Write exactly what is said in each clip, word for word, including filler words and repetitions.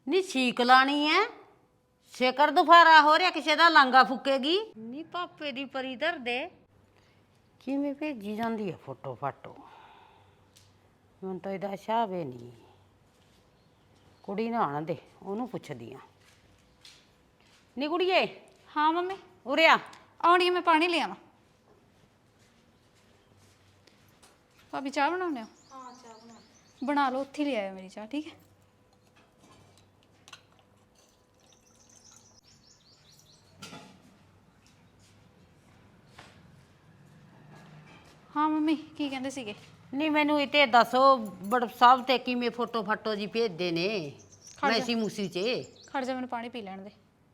ਨੀ ਛੀਕ ਲਾਣੀ ਐ। ਸ਼ੇਕਰ ਦੁਫਾਰਾ ਹੋ ਰਿਹਾ, ਕਿਸੇ ਦਾ ਲਾਂਗਾ ਫੁੱਕੇਗੀ ਨੀ। ਪਾਪੇ ਦੀ ਪਰੀ ਧਰਦੇ ਕਿਵੇਂ ਭੇਜੀ ਜਾਂਦੀ ਐ ਫੋਟੋ ਫਾਟੋ। ਹੁਣ ਤਾਂ ਇਹਦਾ ਹਿਸਾਬ ਈ ਨਹੀਂ। ਕੁੜੀ ਨਾ ਆਣ ਦੇ, ਉਹਨੂੰ ਪੁੱਛਦੀ ਆ। ਨੀ ਕੁੜੀਏ। हाँ मम्मी ਉਰੇ ਆ। आनी है, मैं पानी ले आवा। भाभी चाह बनाने हो? हाँ चाह बना बना लो, उत्थे ले आयो मेरी चाह, ठीक है। हाँ मम्मी की कहंदे सीगे? ਨੀ ਮੈਨੂੰ ਇਹ ਤੇ ਦੱਸੋ, ਵਟਸਐਪ ਤੇ ਕਿਵੇਂ ਫੋਟੋ ਫਾਟੋ ਜੀ ਭੇਜਦੇ ਨੇ ਮੈਸੀ ਮੂਸੀ ਚ। खड़ जा, मैंने पानी पी लैण दे।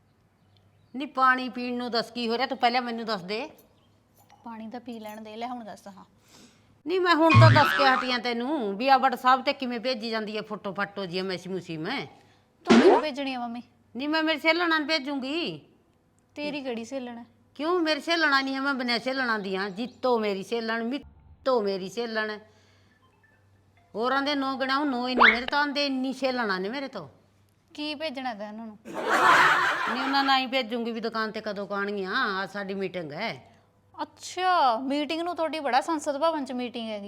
ਨੀ ਪਾਣੀ ਪੀਣ ਨੂੰ ਦੱਸ ਕੀ ਹੋ ਰਿਹਾ, ਤੂੰ ਪਹਿਲਾਂ ਮੈਨੂੰ ਦੱਸ ਦੇ। पानी तो पी लैण दे, ले हुण दस। हाँ ਨੀ ਮੈਂ ਹੁਣ ਤਾਂ ਦੱਸ ਕੇ ਹਟੀਆਂ ਤੈਨੂੰ ਵੀ ਆ ਵਟਸਐਪ ਤੇ ਕਿਵੇਂ ਭੇਜੀ ਜਾਂਦੀ ਹੈ ਫੋਟੋ ਫਾਟੋ ਜੀ ਮੈਸੀ ਮੂਸੀ। ਮੈਂ तू मैनू भेजनी है मम्मी? ਨੀ ਮੈਂ ਮੇਰੇ ਸਹੇਲਣਾ ਨੂੰ ਭੇਜੂੰਗੀ। तेरी केड़ी सहेलण है? ਕਿਉਂ ਮੇਰੀ ਸਹੇਲਣਾ ਨਹੀਂ ਹੈ, ਮੈਂ ਬਿਨਾਂ ਸਹੇਲਣਾ ਦੀ ਹਾਂ। ਜੀਤੋ ਮੇਰੀ ਸਹੇਲਣ, ਮਿੱਤੋ ਮੇਰੀ ਸਹੇਲਣ, ਹੋਰਾਂ ਦੇ ਨੋ ਗਿਣਾਉ ਨੋ ਹੀ ਨਹੀਂ ਮੇਰੇ ਤਾਂ। ਆਂਦੇ ਇੰਨੀ ਸਹੇਲਣਾ ਨੇ ਮੇਰੇ ਤੋਂ। की भेजना है उन्होंने? ਨਹੀਂ ਉਹਨਾਂ ਨਾਲ ਹੀ ਭੇਜੂੰਗੀ ਵੀ ਦੁਕਾਨ ਤੇ ਕਦੋਂ ਕਾਣਗੀਆਂ। ਆ ਸਾਡੀ ਮੀਟਿੰਗ ਹੈ। ਅੱਛਾ ਮੀਟਿੰਗ ਨੂੰ ਤੁਹਾਡੀ ਬੜਾ ਸੰਸਦ ਭਵਨ ਚ ਮੀਟਿੰਗ ਹੈਗੀ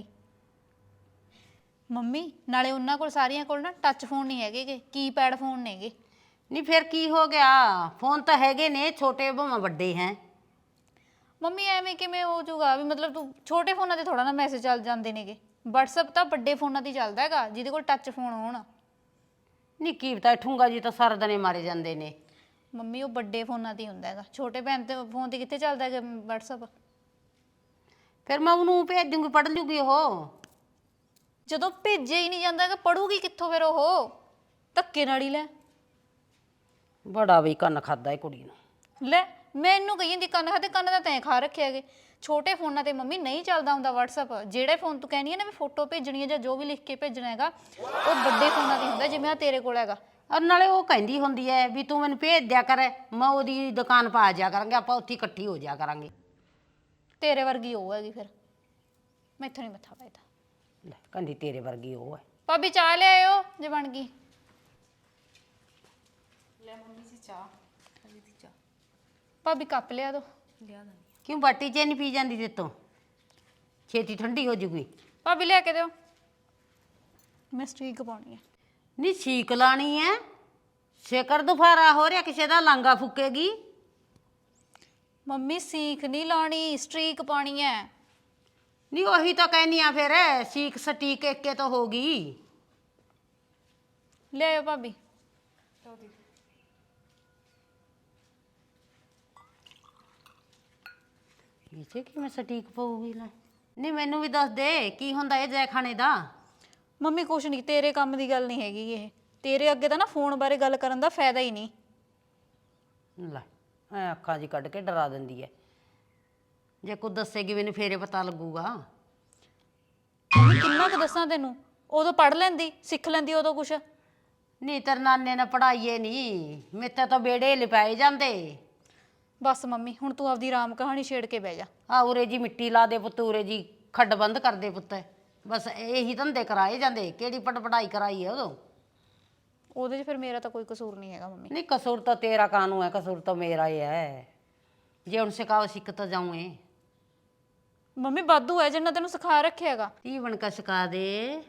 ਮੰਮੀ। ਨਾਲੇ ਉਹਨਾਂ ਕੋਲ ਸਾਰਿਆਂ ਕੋਲ ਨਾ ਟੱਚ ਫੋਨ ਨਹੀਂ ਹੈਗੇ, ਕੀਪੈਡ ਫੋਨ ਨੇਗੇ। ਨਹੀਂ ਫਿਰ ਕੀ ਹੋ ਗਿਆ, ਫੋਨ ਤਾਂ ਹੈਗੇ ਨੇ, ਛੋਟੇ ਭਾਵੇਂ ਵੱਡੇ ਹੈ। ਮੰਮੀ ਐਵੇਂ ਕਿਵੇਂ ਹੋ ਜਾਊਗਾ ਵੀ? ਮਤਲਬ ਤੂੰ ਛੋਟੇ ਫੋਨਾਂ ਤੇ ਥੋੜਾ ਨਾ ਮੈਸੇਜ ਚੱਲ ਜਾਂਦੇ ਨੇਗੇ। WhatsApp ਤਾਂ ਵੱਡੇ ਫੋਨਾਂ ਤੇ ਚੱਲਦਾ ਹੈਗਾ, ਜਿਹਦੇ ਕੋਲ ਟੱਚ ਫੋਨ ਹੋਣ। ਨਹੀਂ ਕੀ ਪਤਾ, ਠੂੰਗਾ ਜੀ ਤਾਂ ਸਾਰਾ ਦਿਨ ਹੀ ਮਾਰੇ ਜਾਂਦੇ ਨੇ। ਮੰਮੀ ਉਹ ਵੱਡੇ ਫੋਨਾਂ ਤੇ ਹੀ ਹੁੰਦਾ ਹੈਗਾ, ਛੋਟੇ ਭੈਣ ਤੇ ਫੋਨ ਤੇ ਕਿੱਥੇ ਚੱਲਦਾ ਹੈਗਾ WhatsApp। ਫਿਰ ਮੈਂ ਉਹਨੂੰ ਭੇਜ ਦੂੰਗੀ, ਪੜ੍ਹ ਲੂਗੀ ਉਹ। ਜਦੋਂ ਭੇਜਿਆ ਹੀ ਨਹੀਂ ਜਾਂਦਾ ਹੈਗਾ, ਪੜੂਗੀ ਕਿੱਥੋਂ ਫਿਰ ਉਹ? ਧੱਕੇ ਨਾਲ ਹੀ ਲੈ ਬੜਾ ਵੀ ਕੰਨ ਖਾਦਾ ਇਹ ਕੁੜੀ ਨੂੰ। ਲੈ ਮੈਨੂੰ ਕਹੀ ਜਾਂਦੀ ਕੰਨ ਖਾਤੇ, ਕੰਨ ਤਾਂ ਤੈਂ ਖਾ ਰੱਖੇ ਹੈਗੇ। ਛੋਟੇ ਫੋਨਾਂ ਤੇ ਮੰਮੀ ਨਹੀਂ ਚੱਲਦਾ ਹੁੰਦਾ WhatsApp। ਜਿਹੜੇ ਫੋਨ ਤੂੰ ਕਹਿੰਦੀ ਹੈ ਨਾ ਵੀ ਫੋਟੋ ਭੇਜਣੀ ਹੈ ਜਾਂ ਜੋ ਵੀ ਲਿਖ ਕੇ ਭੇਜਣਾ ਹੈਗਾ, ਉਹ ਵੱਡੇ ਫੋਨਾਂ ਤੇ ਹੁੰਦਾ, ਜਿਵੇਂ ਆ ਤੇਰੇ ਕੋਲ ਹੈਗਾ। ਔਰ ਨਾਲੇ ਉਹ ਕਹਿੰਦੀ ਹੁੰਦੀ ਹੈ ਵੀ ਤੂੰ ਮੈਨੂੰ ਭੇਜ ਦਿਆ ਕਰ, ਮੈਂ ਉਹਦੀ ਦੁਕਾਨ ਪਾ ਜਾ ਕਰਾਂਗੇ, ਆਪਾਂ ਉੱਥੇ ਇਕੱਠੀ ਹੋ ਜਾ ਕਰਾਂਗੇ। ਤੇਰੇ ਵਰਗੀ ਉਹ ਹੈਗੀ, ਫਿਰ ਮੈਥੋਂ ਨਹੀਂ ਮੱਥਾ ਪੈਦਾ। ਲੈ ਕਹਿੰਦੀ ਤੇਰੇ ਵਰਗੀ ਉਹ ਹੈ। ਭਾਬੀ ਚਾਹ ਲੈ ਆਇਓ ਜੇ ਬਣ ਗਈ। ਲੈ ਮੰਮੀ ਜੀ ਚਾਹ, ਹਲੀ ਦੀ ਚਾਹ। ਭਾਬੀ ਕੱਪ ਲਿਆ ਦੋ। ਲਿਆ ਦਾਂ। ਕਿਉਂ ਬਾਟੀ ਚ ਨਹੀਂ ਪੀ ਜਾਂਦੀ ਤੇ ਤੋਂ? ਛੇਤੀ ਠੰਡੀ ਹੋ ਜੂਗੀ। ਭਾਬੀ ਲਿਆ ਕੇ ਦਿਓ, ਮੈਂ ਸਟੀਕ ਪਾਉਣੀ ਹੈ। ਨਹੀਂ ਛੀਕ ਲਾਣੀ ਐ। ਸ਼ੇਕਰ ਦੁਫਾਰਾ ਹੋ ਰਿਹਾ, ਕਿਸੇ ਦਾ ਲਾਂਗਾ ਫੁੱਕੇਗੀ। ਮੰਮੀ ਸੀਖ ਨਹੀਂ ਲਾਉਣੀ, ਸਟ੍ਰੀਕ ਪਾਉਣੀ ਹੈ। ਨਹੀਂ ਉਹੀ ਤਾਂ ਕਹਿਨੀ ਆ, ਫਿਰ ਸੀਖ ਸਟੀਕ ਇੱਕੇ ਤਾਂ ਹੋ ਗਈ। ਲੈ ਆਇਓ ਭਾਬੀ। ਇਹ ਕਿਵੇਂ ਸਟੀਕ ਪਊਗੀ? ਲੈ ਨਹੀਂ ਮੈਨੂੰ ਵੀ ਦੱਸ ਦੇ ਕੀ ਹੁੰਦਾ ਇਹ ਜੈ ਖਾਣੇ ਦਾ। ਮੰਮੀ ਕੁਛ ਨਹੀਂ, ਤੇਰੇ ਕੰਮ ਦੀ ਗੱਲ ਨਹੀਂ ਹੈਗੀ ਇਹ। ਤੇਰੇ ਅੱਗੇ ਤਾਂ ਨਾ ਫੋਨ ਬਾਰੇ ਗੱਲ ਕਰਨ ਦਾ ਫਾਇਦਾ ਹੀ ਨਹੀਂ। ਲੈ ਐ ਅੱਖਾਂ ਜੀ ਕੱਢ ਕੇ ਡਰਾ ਦਿੰਦੀ ਐ। ਜੇ ਕੋਈ ਦੱਸੇਗੀ ਮੈਨੂੰ ਫੇਰੇ ਪਤਾ ਲੱਗੂਗਾ। ਮੰਮੀ ਕਿੰਨਾ ਕੁ ਦੱਸਾਂ ਤੈਨੂੰ? ਉਦੋਂ ਪੜ੍ਹ ਲੈਂਦੀ, ਸਿੱਖ ਲੈਂਦੀ ਉਦੋਂ ਕੁਛ। ਨਹੀਂ ਤੇਰੇ ਨਾਨੇ ਨੇ ਪੜਾਈਏ ਨਹੀਂ, ਮੇਤੇ ਤਾਂ ਬੇੜੇ ਲਿਪਾਏ ਜਾਂਦੇ। ਬਸ ਮੰਮੀ ਹੁਣ ਤੂੰ ਆਪਦੀ ਰਾਮ ਕਹਾਣੀ ਛੇੜ ਕੇ ਬਹਿ ਜਾ। ਆ ਉਰੇ ਜੀ ਮਿੱਟੀ ਲਾ ਦੇ ਪੁੱਤ, ਉਰੇ ਜੀ ਖੱਡ ਬੰਦ ਕਰ ਦੇ ਪੁੱਤ। ਬਸ ਇਹੀ ਧੰਦੇ ਕਰਾਏ ਜਾਂਦੇ। ਕਿਹੜੀ ਪੜ ਪੜਾਈ ਕਰਾਈ ਹੈ ਉਦੋਂ? ਉਹਦੇ 'ਚ ਫਿਰ ਮੇਰਾ ਤਾਂ ਕੋਈ ਕਸੂਰ ਨਹੀਂ ਹੈਗਾ ਮੰਮੀ। ਨਹੀਂ ਕਸੂਰ ਤਾਂ ਤੇਰਾ ਕਾਹਨੂੰ ਹੈ, ਕਸੂਰ ਤਾਂ ਮੇਰਾ ਹੀ ਹੈ। ਜੇ ਹੁਣ ਸਿਖਾਓ ਸਿੱਖ ਤਾਂ ਜਾਊਂ। ਮੰਮੀ ਵਾਧੂ ਹੈ ਜਿੰਨਾ ਤੈਨੂੰ ਸਿਖਾ ਰੱਖਿਆ ਹੈਗਾ। ਕੀ ਬਣ ਕੇ ਸਿਖਾ ਦੇ।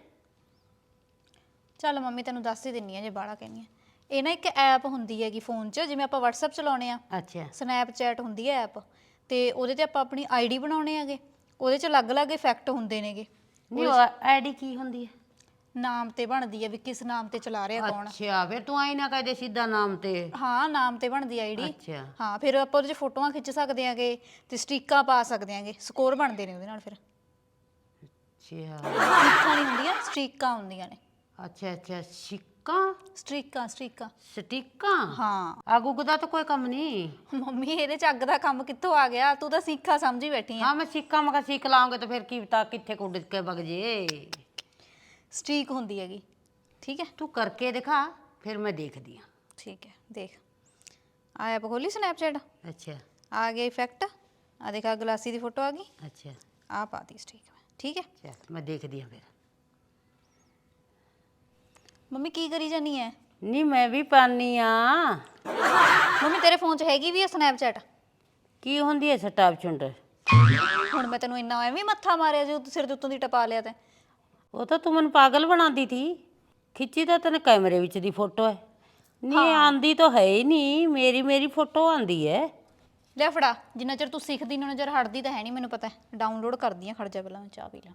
ਚੱਲ ਮੰਮੀ ਤੈਨੂੰ ਦੱਸ ਹੀ ਦਿੰਨੀ ਆ ਜੇ ਬਾਹਲਾ ਕਹਿੰਦੀ ਆ। ਇਹ ਨਾ ਇੱਕ ਐਪ ਹੁੰਦੀ ਹੈਗੀ ਫੋਨ 'ਚ, ਜਿਵੇਂ ਆਪਾਂ WhatsApp ਚਲਾਉਣੇ ਆ, ਅੱਛਾ ਸਨੈਪਚੈਟ ਹੁੰਦੀ ਹੈ ਐਪ, ਤੇ ਉਹਦੇ ਤੇ ਆਪਾਂ ਆਪਣੀ ਆਈਡੀ ਬਣਾਉਣੇ ਹੈਗੇ। ਉਹਦੇ 'ਚ ਅਲੱਗ-ਅਲੱਗ ਇਫੈਕਟ ਹੁੰਦੇ ਨੇਗੇ। ਨਹੀਂ ਆਈਡੀ ਕੀ ਹੁੰਦੀ ਹੈ? ਨਾਮ ਤੇ ਬਣਦੀ ਹੈ ਵੀ ਕਿਸ ਨਾਮ ਤੇ ਚਲਾ ਰਿਹਾ ਕੌਣ। ਅੱਛਾ ਫਿਰ ਤੂੰ ਆਈ ਨਾ ਕਹਦੇ ਸਿੱਧਾ ਨਾਮ ਤੇ। ਹਾਂ ਨਾਮ ਤੇ ਬਣਦੀ ਆਈਡੀ। ਅੱਛਾ ਹਾਂ ਫਿਰ ਆਪਾਂ ਉਹਦੇ 'ਚ ਫੋਟੋਆਂ ਖਿੱਚ ਸਕਦੇ ਆਂਗੇ ਤੇ ਸਟੀਕਾਂ ਪਾ ਸਕਦੇ ਆਂਗੇ। ਸਕੋਰ ਬਣਦੇ ਨੇ ਉਹਦੇ ਨਾਲ। ਫਿਰ ਅੱਛਾ ਸਟੀਕਾਂ ਨਹੀਂ ਹੁੰਦੀਆਂ, ਸਟੀਕਾਂ ਹੁੰਦੀਆਂ ਨੇ। ਅੱਛਾ ਅੱਛਾ ਸਿੱਕਾਂ, ਸਟੀਕਾਂ ਸਟੀਕਾਂ ਸਟੀਕਾਂ। ਹਾਂ ਅੱਗ ਉੱਗ ਦਾ ਤਾਂ ਕੋਈ ਕੰਮ ਨਹੀਂ। ਮੰਮੀ ਇਹਦੇ 'ਚ ਅੱਗ ਦਾ ਕੰਮ ਕਿੱਥੋਂ ਆ ਗਿਆ? ਤੂੰ ਤਾਂ ਸਿੱਖਾ ਸਮਝੀ ਬੈਠੀ ਆ। ਹਾਂ ਮੈਂ ਸਿੱਕਾਂ ਮੈਂ ਕਿਹਾ ਸਿੱਖ ਲਾਉਂਗੇ ਤਾਂ ਫਿਰ ਕੀ ਪਤਾ ਕਿੱਥੇ ਕੁੱਡ ਕੇ ਵਗ ਜੇ। ਸਟੀਕ ਹੁੰਦੀ ਹੈਗੀ, ਠੀਕ ਹੈ। ਤੂੰ ਕਰਕੇ ਦਿਖਾ ਫਿਰ ਮੈਂ ਦੇਖਦੀ ਹਾਂ। ਠੀਕ ਹੈ ਦੇਖ, ਆ ਐਪ ਖੋਲੀ ਸਨੈਪਚੈਟ, ਅੱਛਾ ਆ ਗਿਆ ਇਫੈਕਟ। ਆ ਦੇਖਾ ਗਲਾਸੀ ਦੀ ਫੋਟੋ ਆ ਗਈ, ਅੱਛਾ ਆ ਪਾਤੀ ਸਟੀਕ ਮੈਂ, ਠੀਕ ਹੈ। ਚੱਲ ਮੈਂ ਦੇਖਦੀ ਹਾਂ ਫਿਰ। ਮੰਮੀ ਕੀ ਕਰੀ ਜਾਨੀ ਹੈ? ਨਹੀਂ ਮੈਂ ਵੀ ਪਾਨੀ ਆ। ਮੰਮੀ ਤੇਰੇ ਫੋਨ 'ਚ ਹੈਗੀ ਵੀ ਹੈ ਸਨੈਪਚੈਟ? ਕੀ ਹੁੰਦੀ ਐ ਸਟਾਪ ਚੁੰਡ? ਹੁਣ ਮੈਂ ਤੈਨੂੰ ਇੰਨਾ ਐਵੇਂ ਮੱਥਾ ਮਾਰਿਆ ਜੋ ਸਿਰ ਦੇ ਉੱਤੋਂ ਦੀ ਟਪਾ ਲਿਆ ਤੈਂ। ਉਹ ਤਾਂ ਤੂੰ ਮੈਨੂੰ ਪਾਗਲ ਬਣਾਉਂਦੀ ਥੀ। ਖਿੱਚੀ ਤਾਂ ਤੈਨੇ ਕੈਮਰੇ ਵਿੱਚ ਦੀ ਫੋਟੋ ਹੈ। ਨਹੀਂ ਆਂਦੀ ਤਾਂ ਹੈ ਹੀ ਨਹੀਂ, ਮੇਰੀ ਮੇਰੀ ਫੋਟੋ ਆਂਦੀ ਹੈ। ਲੈ ਫੜਾ, ਜਿੰਨਾ ਚਿਰ ਤੂੰ ਸਿੱਖਦੀ ਨਾ ਚਿਰ ਹਟਦੀ ਤਾਂ ਹੈ ਨਹੀਂ, ਮੈਨੂੰ ਪਤਾ। ਡਾਊਨਲੋਡ ਕਰਦੀ ਆ, ਖੜ ਜਾ ਪਹਿਲਾਂ ਮੈਂ ਚਾਹ ਪੀ ਲਾਂ।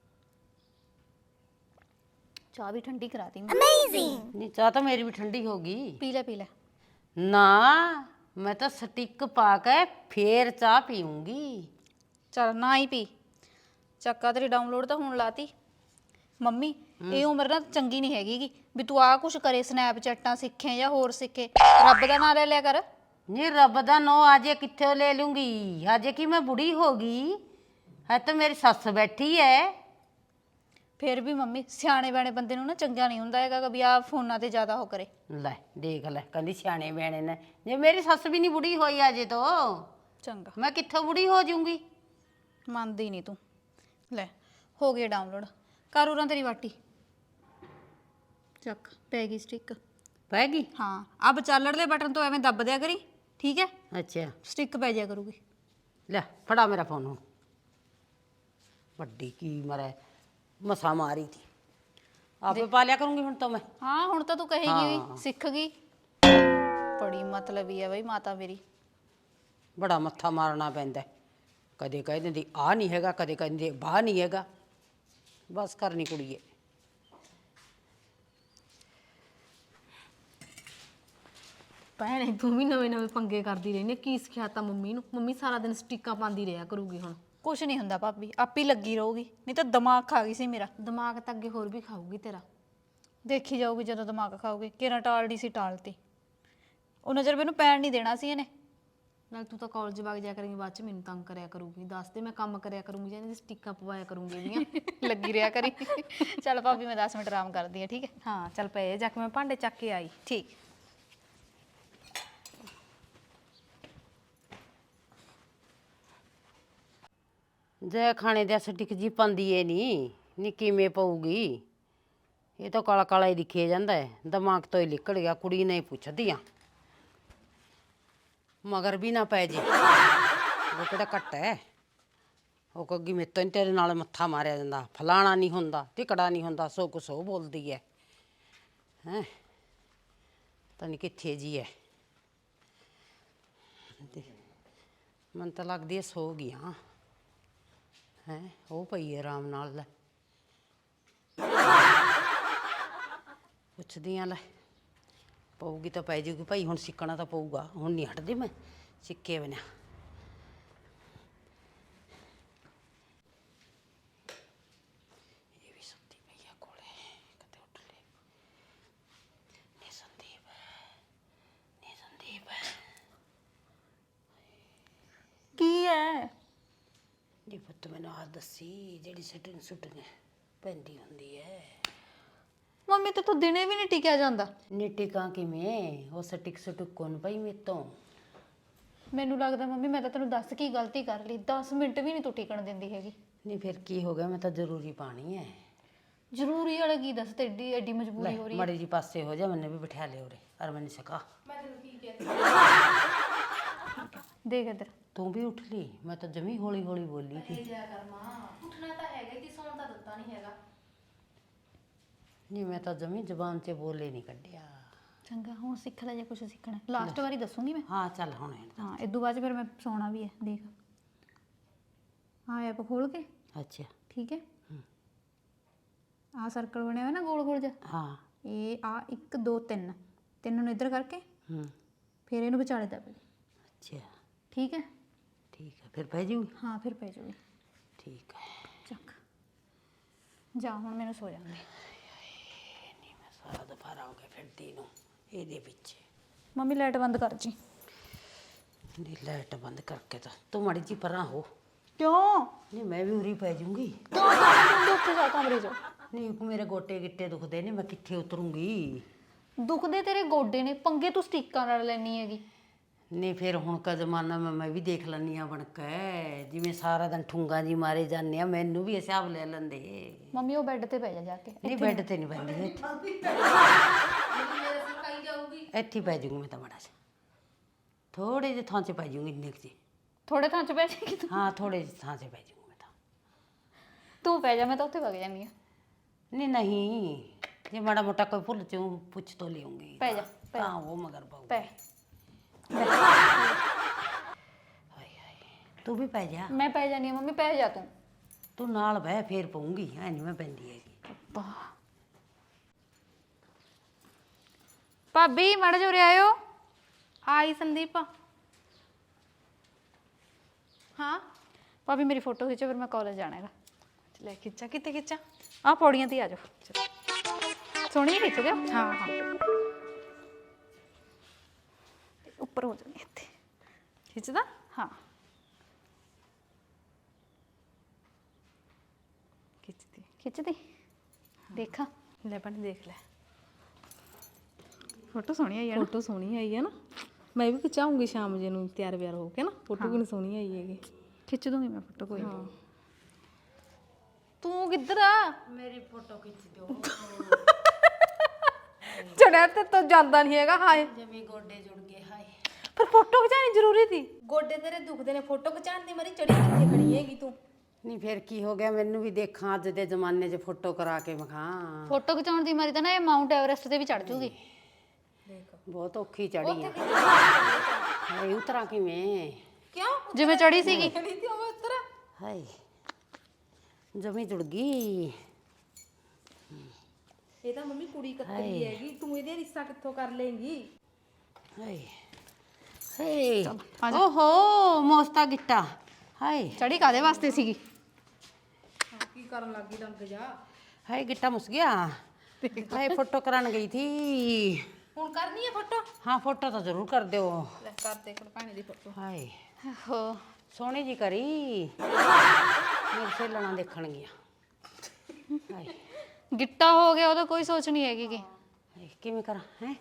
ਚਾਹ ਵੀ ਠੰਡੀ ਕਰਾਤੀ ਮੈਂ। ਨਹੀਂ ਚਾਹ ਤਾਂ ਮੇਰੀ ਵੀ ਠੰਡੀ ਹੋ ਗਈ। ਪੀ ਲੈ ਪੀ ਲੈ। ਨਾ ਮੈਂ ਤਾਂ ਸਟਿੱਕ ਪਾ ਕੇ ਫੇਰ ਚਾਹ ਪੀਊਂਗੀ। ਚੱਲ ਨਾ ਹੀ ਪੀ, ਚੱਕਾ ਤੇਰੀ ਡਾਊਨਲੋਡ ਤਾਂ ਹੁਣ ਲਾਤੀ। ਮੰਮੀ ਇਹ ਉਮਰ ਨਾ ਚੰਗੀ ਨਹੀਂ ਹੈਗੀ ਗੀ ਵੀ ਤੂੰ ਆਹ ਕੁਛ ਕਰੇ, ਸਨੈਪਚੈਟਾਂ ਸਿੱਖੇ ਜਾਂ ਹੋਰ ਸਿੱਖੇ। ਰੱਬ ਦਾ ਨਾਂ ਲੈ ਲਿਆ ਕਰ। ਨਹੀਂ ਰੱਬ ਦਾ ਨਾਂ ਅਜੇ ਕਿੱਥੇ ਲੈ ਲੂੰਗੀ, ਅਜੇ ਕੀ ਮੈਂ ਬੁੜੀ ਹੋ ਗਈ ਹੈ ਤਾਂ ਮੇਰੀ ਸੱਸ ਬੈਠੀ ਹੈ। ਫਿਰ ਵੀ ਮੰਮੀ ਸਿਆਣੇ ਬਿਆਣੇ ਬੰਦੇ ਨੂੰ ਨਾ ਚੰਗਾ ਨਹੀਂ ਹੁੰਦਾ ਹੈਗਾ ਵੀ ਆਹ ਫੋਨਾਂ ਤੇ ਜ਼ਿਆਦਾ ਉਹ ਕਰੇ। ਲੈ ਦੇਖ ਲੈ, ਕਹਿੰਦੀ ਸਿਆਣੇ ਬਿਆਣੇ ਨੇ। ਜੇ ਮੇਰੀ ਸੱਸ ਵੀ ਨਹੀਂ ਬੁੜੀ ਹੋਈ ਅਜੇ ਤੋਂ, ਚੰਗਾ ਮੈਂ ਕਿੱਥੋਂ ਬੁੜੀ ਹੋ ਜਾਊਂਗੀ। ਮੰਨਦੀ ਨਹੀਂ ਤੂੰ। ਲੈ ਹੋ ਗਏ ਡਾਊਨਲੋਡ, ਕਰ ਉਰਾਂ ਤੇਰੀ ਵਾਟੀ। ਚੱਕ ਪੈ ਗਈ ਸਟਿੱਕ। ਪੈ ਗਈ? ਹਾਂ ਆ ਵਿਚਾਲੜਲੇ ਬਟਨ ਤੋਂ ਐਵੇਂ ਦੱਬ ਦਿਆ ਕਰੀ, ਠੀਕ ਹੈ? ਅੱਛਾ ਸਟਿੱਕ ਪੈ ਜਾਇਆ ਕਰੂਗੀ। ਲੈ ਫੜਾ ਮੇਰਾ ਫੋਨ। ਹੁਣ ਵੱਡੀ ਕੀ ਮਰੇ ਮਸਾ ਮਾਰੀ ਥੀ, ਆਪੇ ਪਾ ਲਿਆ ਕਰੂੰਗੀ ਹੁਣ ਤਾਂ ਮੈਂ। ਹਾਂ ਹੁਣ ਤਾਂ ਤੂੰ ਕਹੇਗੀ ਵੀ ਸਿੱਖ ਗਈ। ਬੜੀ ਮਤਲਬੀ ਹੈ ਬਈ ਮਾਤਾ ਮੇਰੀ। ਬੜਾ ਮੱਥਾ ਮਾਰਨਾ ਪੈਂਦਾ, ਕਦੇ ਕਹਿ ਦਿੰਦੀ ਆ ਨਹੀਂ ਹੈਗਾ, ਕਦੇ ਕਹਿੰਦੇ ਬਾਹ ਨਹੀਂ ਹੈਗਾ। ਬਸ ਕਰਨੀ ਕੁੜੀਏ। ਭੈਣੇ ਤੂੰ ਵੀ ਨਵੇਂ ਨਵੇਂ ਪੰਗੇ ਕਰਦੀ ਰਹਿੰਦੀ, ਕੀ ਸਿਖਾਤਾ ਮੰਮੀ ਨੂੰ? ਮੰਮੀ ਸਾਰਾ ਦਿਨ ਸਟਿੱਕਾਂ ਪਾਉਂਦੀ ਰਿਹਾ ਕਰੂਗੀ ਹੁਣ। ਕੁਛ ਨਹੀਂ ਹੁੰਦਾ ਭਾਬੀ, ਆਪੇ ਲੱਗੀ ਰਹੂਗੀ। ਨਹੀਂ ਤਾਂ ਦਿਮਾਗ ਖਾ ਗਈ ਸੀ ਮੇਰਾ। ਦਿਮਾਗ ਤਾਂ ਅੱਗੇ ਹੋਰ ਵੀ ਖਾਊਗੀ ਤੇਰਾ। ਦੇਖੀ ਜਾਊਗੀ ਜਦੋਂ ਦਿਮਾਗ ਖਾਊਗੀ। ਕਿਹੜਾ ਟਾਲਦੀ ਸੀ ਟਾਲਤੀ, ਉਹ ਨਜ਼ਰ ਮੈਨੂੰ ਪੈਣ ਨਹੀਂ ਦੇਣਾ ਸੀ ਇਹਨੇ। ਨਾਲ ਤੂੰ ਤਾਂ ਕਾਲਜ ਵਗ ਜਾ ਕਰੇਂਗੀ, ਬਾਅਦ ਚ ਮੈਨੂੰ ਤੰਗ ਕਰਿਆ ਕਰੂਗੀ। ਦੱਸ ਦੇ ਮੈਂ ਕੰਮ ਕਰਿਆ ਕਰੂੰਗੀ ਜਾਂ ਇਹਦੀ ਸਟਿੱਕਾਂ ਪਵਾਇਆ ਕਰੂੰਗੀ ਇਹਦੀਆਂ। ਲੱਗੀ ਰਿਹਾ ਕਰੀ। ਚੱਲ ਭਾਬੀ ਮੈਂ ਦਸ ਮਿੰਟ ਆਰਾਮ ਕਰਦੀ ਹਾਂ, ਠੀਕ ਹੈ? ਹਾਂ ਚੱਲ ਪਏ ਜਾ ਕੇ ਮੈਂ ਭਾਂਡੇ ਚੱਕ ਕੇ ਆਈ। ਠੀਕ। ਜੇ ਖਾਣੇ ਦੇ ਸਟਿਕ ਜੀ ਪਾਉਂਦੀ ਏ ਨਹੀਂ ਨੀ ਕਿਵੇਂ ਪਊਗੀ? ਇਹ ਤਾਂ ਕਾਲਾ ਕਾਲਾ ਹੀ ਦਿਖੇ ਜਾਂਦਾ ਹੈ, ਦਿਮਾਗ ਤੋਂ ਹੀ ਨਿਕਲ ਗਿਆ। ਕੁੜੀ ਨੇ ਪੁੱਛਦੀਆਂ ਮਗਰ ਵੀ ਨਾ ਪੈ ਜੇ, ਉਹ ਕਿਹੜਾ ਘੱਟ ਹੈ। ਉਹ ਕਹੂਗੀ ਮੇਰੇ ਤੋਂ ਨੀ ਤੇਰੇ ਨਾਲ ਮੱਥਾ ਮਾਰਿਆ ਜਾਂਦਾ, ਫਲਾਣਾ ਨਹੀਂ ਹੁੰਦਾ, ਟਿਕੜਾ ਨਹੀਂ ਹੁੰਦਾ, ਸੋ ਕੁਛ ਉਹ ਬੋਲਦੀ ਹੈ। ਹੈਂ ਪਤਾ ਨਹੀਂ ਕਿੱਥੇ ਜੀ ਹੈ। ਮੈਨੂੰ ਤਾਂ ਲੱਗਦੀ ਹੈ ਸੋ ਗਈਆਂ ਹੈ। ਉਹ ਪਈ ਹੈ ਆਰਾਮ ਨਾਲ। ਲੈ ਪੁੱਛਦੀਆਂ, ਲੈ ਪਊਗੀ ਤਾਂ ਪੈ ਜਾਊਗੀ ਭਾਈ। ਹੁਣ ਸਿੱਖਣਾ ਤਾਂ ਪਊਗਾ, ਹੁਣ ਨਹੀਂ ਹਟਦੀ ਮੈਂ ਸਿੱਕੇ ਬਿਨਾਂ। ਇਹ ਵੀ ਸੁੱਤੀ ਪਈ ਆ ਕੋਲੇ, ਕਦੇ ਉੱਠ ਲੈ। ਨੀ ਸੰਦੀਪ, ਨੀ ਸੰਦੀਪ। ਕੀ ਹੈ? ਜੀ ਪੁੱਤ ਮੈਨੂੰ ਆਹ ਦੱਸੀ, ਜਿਹੜੀ ਸਟਿੰਗ ਸੁੱਟੀਆਂ ਪੈਂਦੀ ਹੁੰਦੀ ਹੈ। ਮੰਮੀ ਤੇ ਤੂੰ ਦਿਨੇ ਵੀ ਨਹੀਂ ਟਿਕਿਆ ਜਾਂਦਾ। ਨੀ ਟਿਕਾਂ ਕਿਵੇਂ? ਉਹ ਸਟਿਕ ਸੁਟਕ ਕੋਣ ਪਈ ਮੇਰੇ ਤੋਂ। ਮੈਨੂੰ ਲੱਗਦਾ ਮੰਮੀ ਮੈਂ ਤਾਂ ਤੈਨੂੰ ਦੱਸ ਕੀ ਗਲਤੀ ਕਰ ਲਈ। ਦਸ ਮਿੰਟ ਵੀ ਨਹੀਂ ਤੂੰ ਟਿਕਣ ਦਿੰਦੀ ਹੈਗੀ। ਨਹੀਂ ਫਿਰ ਕੀ ਹੋ ਗਿਆ? ਮੈਂ ਤਾਂ ਜ਼ਰੂਰੀ ਪਾਣੀ ਹੈ। ਜ਼ਰੂਰੀ ਵਾਲਾ ਕੀ ਦੱਸ, ਤੇ ਏਡੀ ਐਡੀ ਮਜਬੂਰੀ ਹੋ ਰਹੀ ਹੈ। ਮੜੀ ਜੀ ਪਾਸੇ ਹੋ ਜਾ, ਮੈਨੂੰ ਵੀ ਬਿਠਾ ਲਿਓ ਉਰੇ। ਅਰ ਮੈਨੂੰ ਸਕਾ ਦੇਖ ਇੱਧਰ। ਤੂੰ ਵੀ ਉੱਠ ਲਈ? ਮੈਂ ਤਾਂ ਜਮੀ ਹੌਲੀ ਹੌਲੀ ਬੋਲੀ ਸੀ। ਉੱਠਣਾ ਤਾਂ ਹੈਗਾ ਕਿ ਸੌਣ ਤਾਂ ਦਿੱਤਾ ਨਹੀਂ ਹੈਗਾ। ਨਹੀਂ ਮੈਂ ਤਾਂ ਜਮੀ ਜ਼ਬਾਨ 'ਚ ਬੋਲੇ ਨਹੀਂ ਕੱਢਿਆ। ਚੰਗਾ ਹੁਣ ਸਿੱਖ ਲੈ ਜੇ ਕੁਛ ਸਿੱਖਣਾ। ਲਾਸਟ ਵਾਰੀ ਦੱਸੂਗੀ ਮੈਂ। ਹਾਂ ਚੱਲ ਹੁਣ। ਹਾਂ ਇਦੋਂ ਬਾਅਦ 'ਚ ਫਿਰ ਮੈਂ ਸੌਣਾ ਵੀ ਹੈ। ਦੇਖ ਹਾਂ ਐਪ ਖੋਲ ਕੇ, ਅੱਛਾ ਠੀਕ ਹੈ? ਆਹ ਸਰਕਲ ਬਣਿਆ ਹੋਇਆ ਨਾ ਗੋਲ ਗੋਲ ਜਿਹਾ, ਹਾਂ। ਇਹ ਆ ਇੱਕ ਦੋ ਤਿੰਨ, ਤਿੰਨ ਨੂੰ ਇੱਧਰ ਕਰਕੇ ਹੂੰ ਫਿਰ ਇਹਨੂੰ ਵਿਚਾਲੇ ਦੱਬ ਦੇ। ਅੱਛਾ ਠੀਕ ਹੈ? ਠੀਕ ਹੈ ਫਿਰ ਪੈ ਜੂਗੀ। ਹਾਂ ਫਿਰ ਪੈ ਜਾਊਗੀ। ਠੀਕ ਹੈ। ਚੱਕ ਜਾ ਹੁਣ ਮੈਨੂੰ ਸੋ ਜਾਂਦੇ। ਨਹੀਂ ਮੈਂ ਸਾਰਾ ਦੁਪਹਿਰਾ ਹੋ ਗਿਆ ਫਿਰਦੀ ਨੂੰ ਇਹਦੇ ਪਿੱਛੇ। ਮੰਮੀ ਲਾਈਟ ਬੰਦ ਕਰ ਜੀ। ਨਹੀਂ ਲਾਈਟ ਬੰਦ ਕਰਕੇ ਤਾਂ ਤੂੰ ਮਾੜੀ ਜੀ ਪਰਾਂ ਹੋ। ਕਿਉਂ? ਨਹੀਂ ਮੈਂ ਵੀ ਉਰੀ ਪੈ ਜੂੰਗੀ। ਕਿਉਂ ਤੂੰ ਉੱਥੇ ਜਾ ਕਮਰੇ 'ਚ। ਨਹੀਂ ਮੇਰੇ ਗੋਟੇ ਗਿੱਟੇ ਦੁਖਦੇ ਨੇ, ਮੈਂ ਕਿੱਥੇ ਉਤਰੂੰਗੀ? ਦੁਖਦੇ ਤੇਰੇ ਗੋਡੇ ਨੇ, ਪੰਗੇ ਤੂੰ ਸਟੀਕਾਂ ਨਾਲ ਲੈਣੀ ਹੈਗੀ। ਨਹੀਂ ਫਿਰ ਹੁਣ ਕਾ ਜ਼ਮਾਨਾ ਮੈਂ ਮੈਂ ਵੀ ਦੇਖ ਲੈਂਦੀ ਹਾਂ ਬਣ ਕੇ। ਜਿਵੇਂ ਸਾਰਾ ਦਿਨ ਠੁੰਗਾ ਜੀ ਮਾਰੇ ਜਾਂਦੇ ਆ, ਮੈਨੂੰ ਵੀ ਹਿਸਾਬ ਲੈ ਲੈਂਦੇ। ਮੰਮੀ ਉਹ ਬੈੱਡ ਤੇ ਪੈ ਜਾ ਜਾ ਕੇ। ਨਹੀਂ ਬੈੱਡ ਤੇ ਨਹੀਂ ਪੈਂਦੀ ਇੱਥੇ। ਇੱਥੇ ਹੀ ਪੈ ਜਾਊਂਗੀ ਮੈਂ ਤਾਂ ਮਾੜਾ ਜਿਹਾ ਥੋੜੇ ਜਿਹੇ ਥਾਂ 'ਚ ਪੈ ਜਾਊਂਗੀ ਇੰਨੇ ਕੁ 'ਚ ਥੋੜੇ ਥਾਂ ਚ ਬਹਿ ਜਾਏਗੀ ਤੂੰ ਹਾਂ ਥੋੜੇ ਜਿਹੇ ਥਾਂ 'ਚ ਪੈ ਜਾਊਂਗੀ ਮੈਂ ਤਾਂ ਤੂੰ ਪੈ ਜਾ ਮੈਂ ਤਾਂ ਉੱਥੇ ਵਗ ਜਾਂਦੀ ਆ ਨਹੀਂ ਨਹੀਂ ਜੇ ਮਾੜਾ ਮੋਟਾ ਕੋਈ ਭੁੱਲ ਚੋਂ ਪੁੱਛ ਤੋਂ ਲਿਆਉਂਗੀ ਪੈ ਜਾ ਪੈ ਤਾਂ ਉਹ ਮਗਰ ਪਾਊ ਪੈ ਹਾਏ ਹਾਏ ਤੂੰ ਵੀ ਪੈ ਜਾ ਮੈਂ ਪੈ ਜਾਨੀ ਆ ਮੰਮੀ ਪੈ ਜਾ ਤੂੰ ਤੂੰ ਨਾਲ ਬਹਿ ਫੇਰ ਪਊਂਗੀ ਐ ਨਹੀਂ ਮੈਂ ਪੈਂਦੀ ਹੈਗੀ ਭਾਬੀ ਮੜ ਜੋ ਆਇਓ ਆਈ ਸੰਦੀਪ ਹਾਂ ਭਾਬੀ ਮੇਰੀ ਫੋਟੋ ਖਿੱਚੋ ਫਿਰ ਮੈਂ ਕਾਲਜ ਜਾਣਾ ਹੈਗਾ ਲੈ ਖਿੱਚਾ ਕਿੱਥੇ ਖਿੱਚਾ ਆਹ ਪੌੜੀਆਂ ਤੇ ਹੀ ਆ ਜਾਓ ਸੋਹਣੀ ਖਿੱਚ ਦਿਓ ਹਾਂ ਹਾਂ ਉੱਪਰ ਹੋ ਜਾਣੀ ਇੱਥੇ ਖਿੱਚਦਾ ਹਾਂ ਖਿੱਚਦੀ ਖਿੱਚਦੀ ਦੇਖਾਂ ਲੈ ਬਣ ਦੇਖ ਲੈ ਫੋਟੋ ਸੋਹਣੀ ਆਈ ਹੈ ਨਾ ਫੋਟੋ ਸੋਹਣੀ ਆਈ ਹੈ ਨਾ ਮੈਂ ਵੀ ਖਿਚਾਉਂਗੀ ਸ਼ਾਮ ਜੇ ਨੂੰ ਤਿਆਰ ਵਿਆਰ ਹੋ ਕੇ ਨਾ ਫੋਟੋ ਕਿੰਨੀ ਸੋਹਣੀ ਆਈ ਹੈਗੀ ਖਿੱਚ ਦੂੰਗੀ ਮੈਂ ਫੋਟੋ ਕੋਈ ਹਾਂ ਤੂੰ ਕਿੱਧਰ ਆ ਮੇਰੀ ਫੋਟੋ ਖਿੱਚ ਦਿਓ ਚੜਿਆ ਤੇ ਤੂੰ ਜਾਂਦਾ ਨਹੀਂ ਹੈਗਾ ਹਾਏ ਜਮੀ ਗੋਡੇ ਜੁੜ ਗਏ ਹਾਏ ਪਰ ਫੋਟੋ ਖਿਚਾਣੀ ਜ਼ਰੂਰੀ ਸੀ ਗੋਡੇ ਤੇਰੇ ਦੁਖਦੇ ਨੇ ਫੋਟੋ ਖਿਚਾਣ ਦੀ ਮਰੀ ਚੜੀ ਕਿੱਥੇ ਖੜੀ ਹੈਗੀ ਤੂੰ ਨਹੀਂ ਫਿਰ ਕੀ ਹੋ ਗਿਆ ਮੈਨੂੰ ਵੀ ਦੇਖਾਂ ਅੱਜ ਦੇ ਜ਼ਮਾਨੇ 'ਚ ਫੋਟੋ ਕਰਾ ਕੇ ਵਿਖਾਂ ਫੋਟੋ ਖਿਚਾਉਣ ਦੀ ਮਾਰੀ ਤਾਂ ਨਾ ਇਹ ਮਾਊਂਟ ਐਵਰੈਸਟ ਤੇ ਵੀ ਚੜ ਜੂਗੀ ਬਹੁਤ ਔਖੀ ਚੜੀ ਆ ਹਾਏ ਉਤਰਾਂ ਕਿਵੇਂ ਕਿਉਂ ਜਿਵੇਂ ਚੜੀ ਸੀਗੀ ਖੜੀ ਤੇ ਉਹ ਉੱਤਰ ਹਾਏ ਜਮੀ ਜੁੜ ਗਈ ਇਹ ਤਾਂ ਮੰਮੀ ਕੁੜੀ ਕੱਤਰੀ ਹੈਗੀ ਤੂੰ ਇਹਦੇ ਰਿਸ਼ਤਾ ਕਿੱਥੋਂ ਕਰ ਲੇਂਗੀ ਹਾਏ ਹਾਏ ਓਹੋ ਮੋਸਤਾ ਗਿੱਟਾ ਹਾਏ ਚੜੀ ਕਾਦੇ ਵਾਸਤੇ ਸੀਗੀ ਕੀ ਕਰਨ ਲੱਗੀ ਡੰਗ ਜਾ ਹਾਏ ਗਿੱਟਾ ਮੁਸ ਗਿਆ ਹਾਏ ਫੋਟੋ ਕਰਾਉਣ ਗਈ ਥੀ ਹੁਣ ਕਰਨੀ ਹੈ ਫੋਟੋ ਹਾਂ ਫੋਟੋ ਤਾਂ ਜ਼ਰੂਰ ਕਰ ਦਿਓ ਲੈ ਕਰ ਦੇ ਕੋਲ ਪਾਣੀ ਦੀ ਫੋਟੋ ਹਾਏ ਹੋ ਸੋਹਣੀ ਜੀ ਕਰੀ ਮੇਰੇ ਸੇਲਣਾ ਦੇਖਣ ਗਿਆ ਹਾਏ ਗਿੱਟਾ ਹੋ ਗਿਆ ਉਹਦਾ ਕੋਈ ਸੋਚ ਨਹੀਂ ਹੈਗੀ ਕਿ ਹਾਏ, ਕਿਵੇਂ ਕਰਾਂ ਹੈ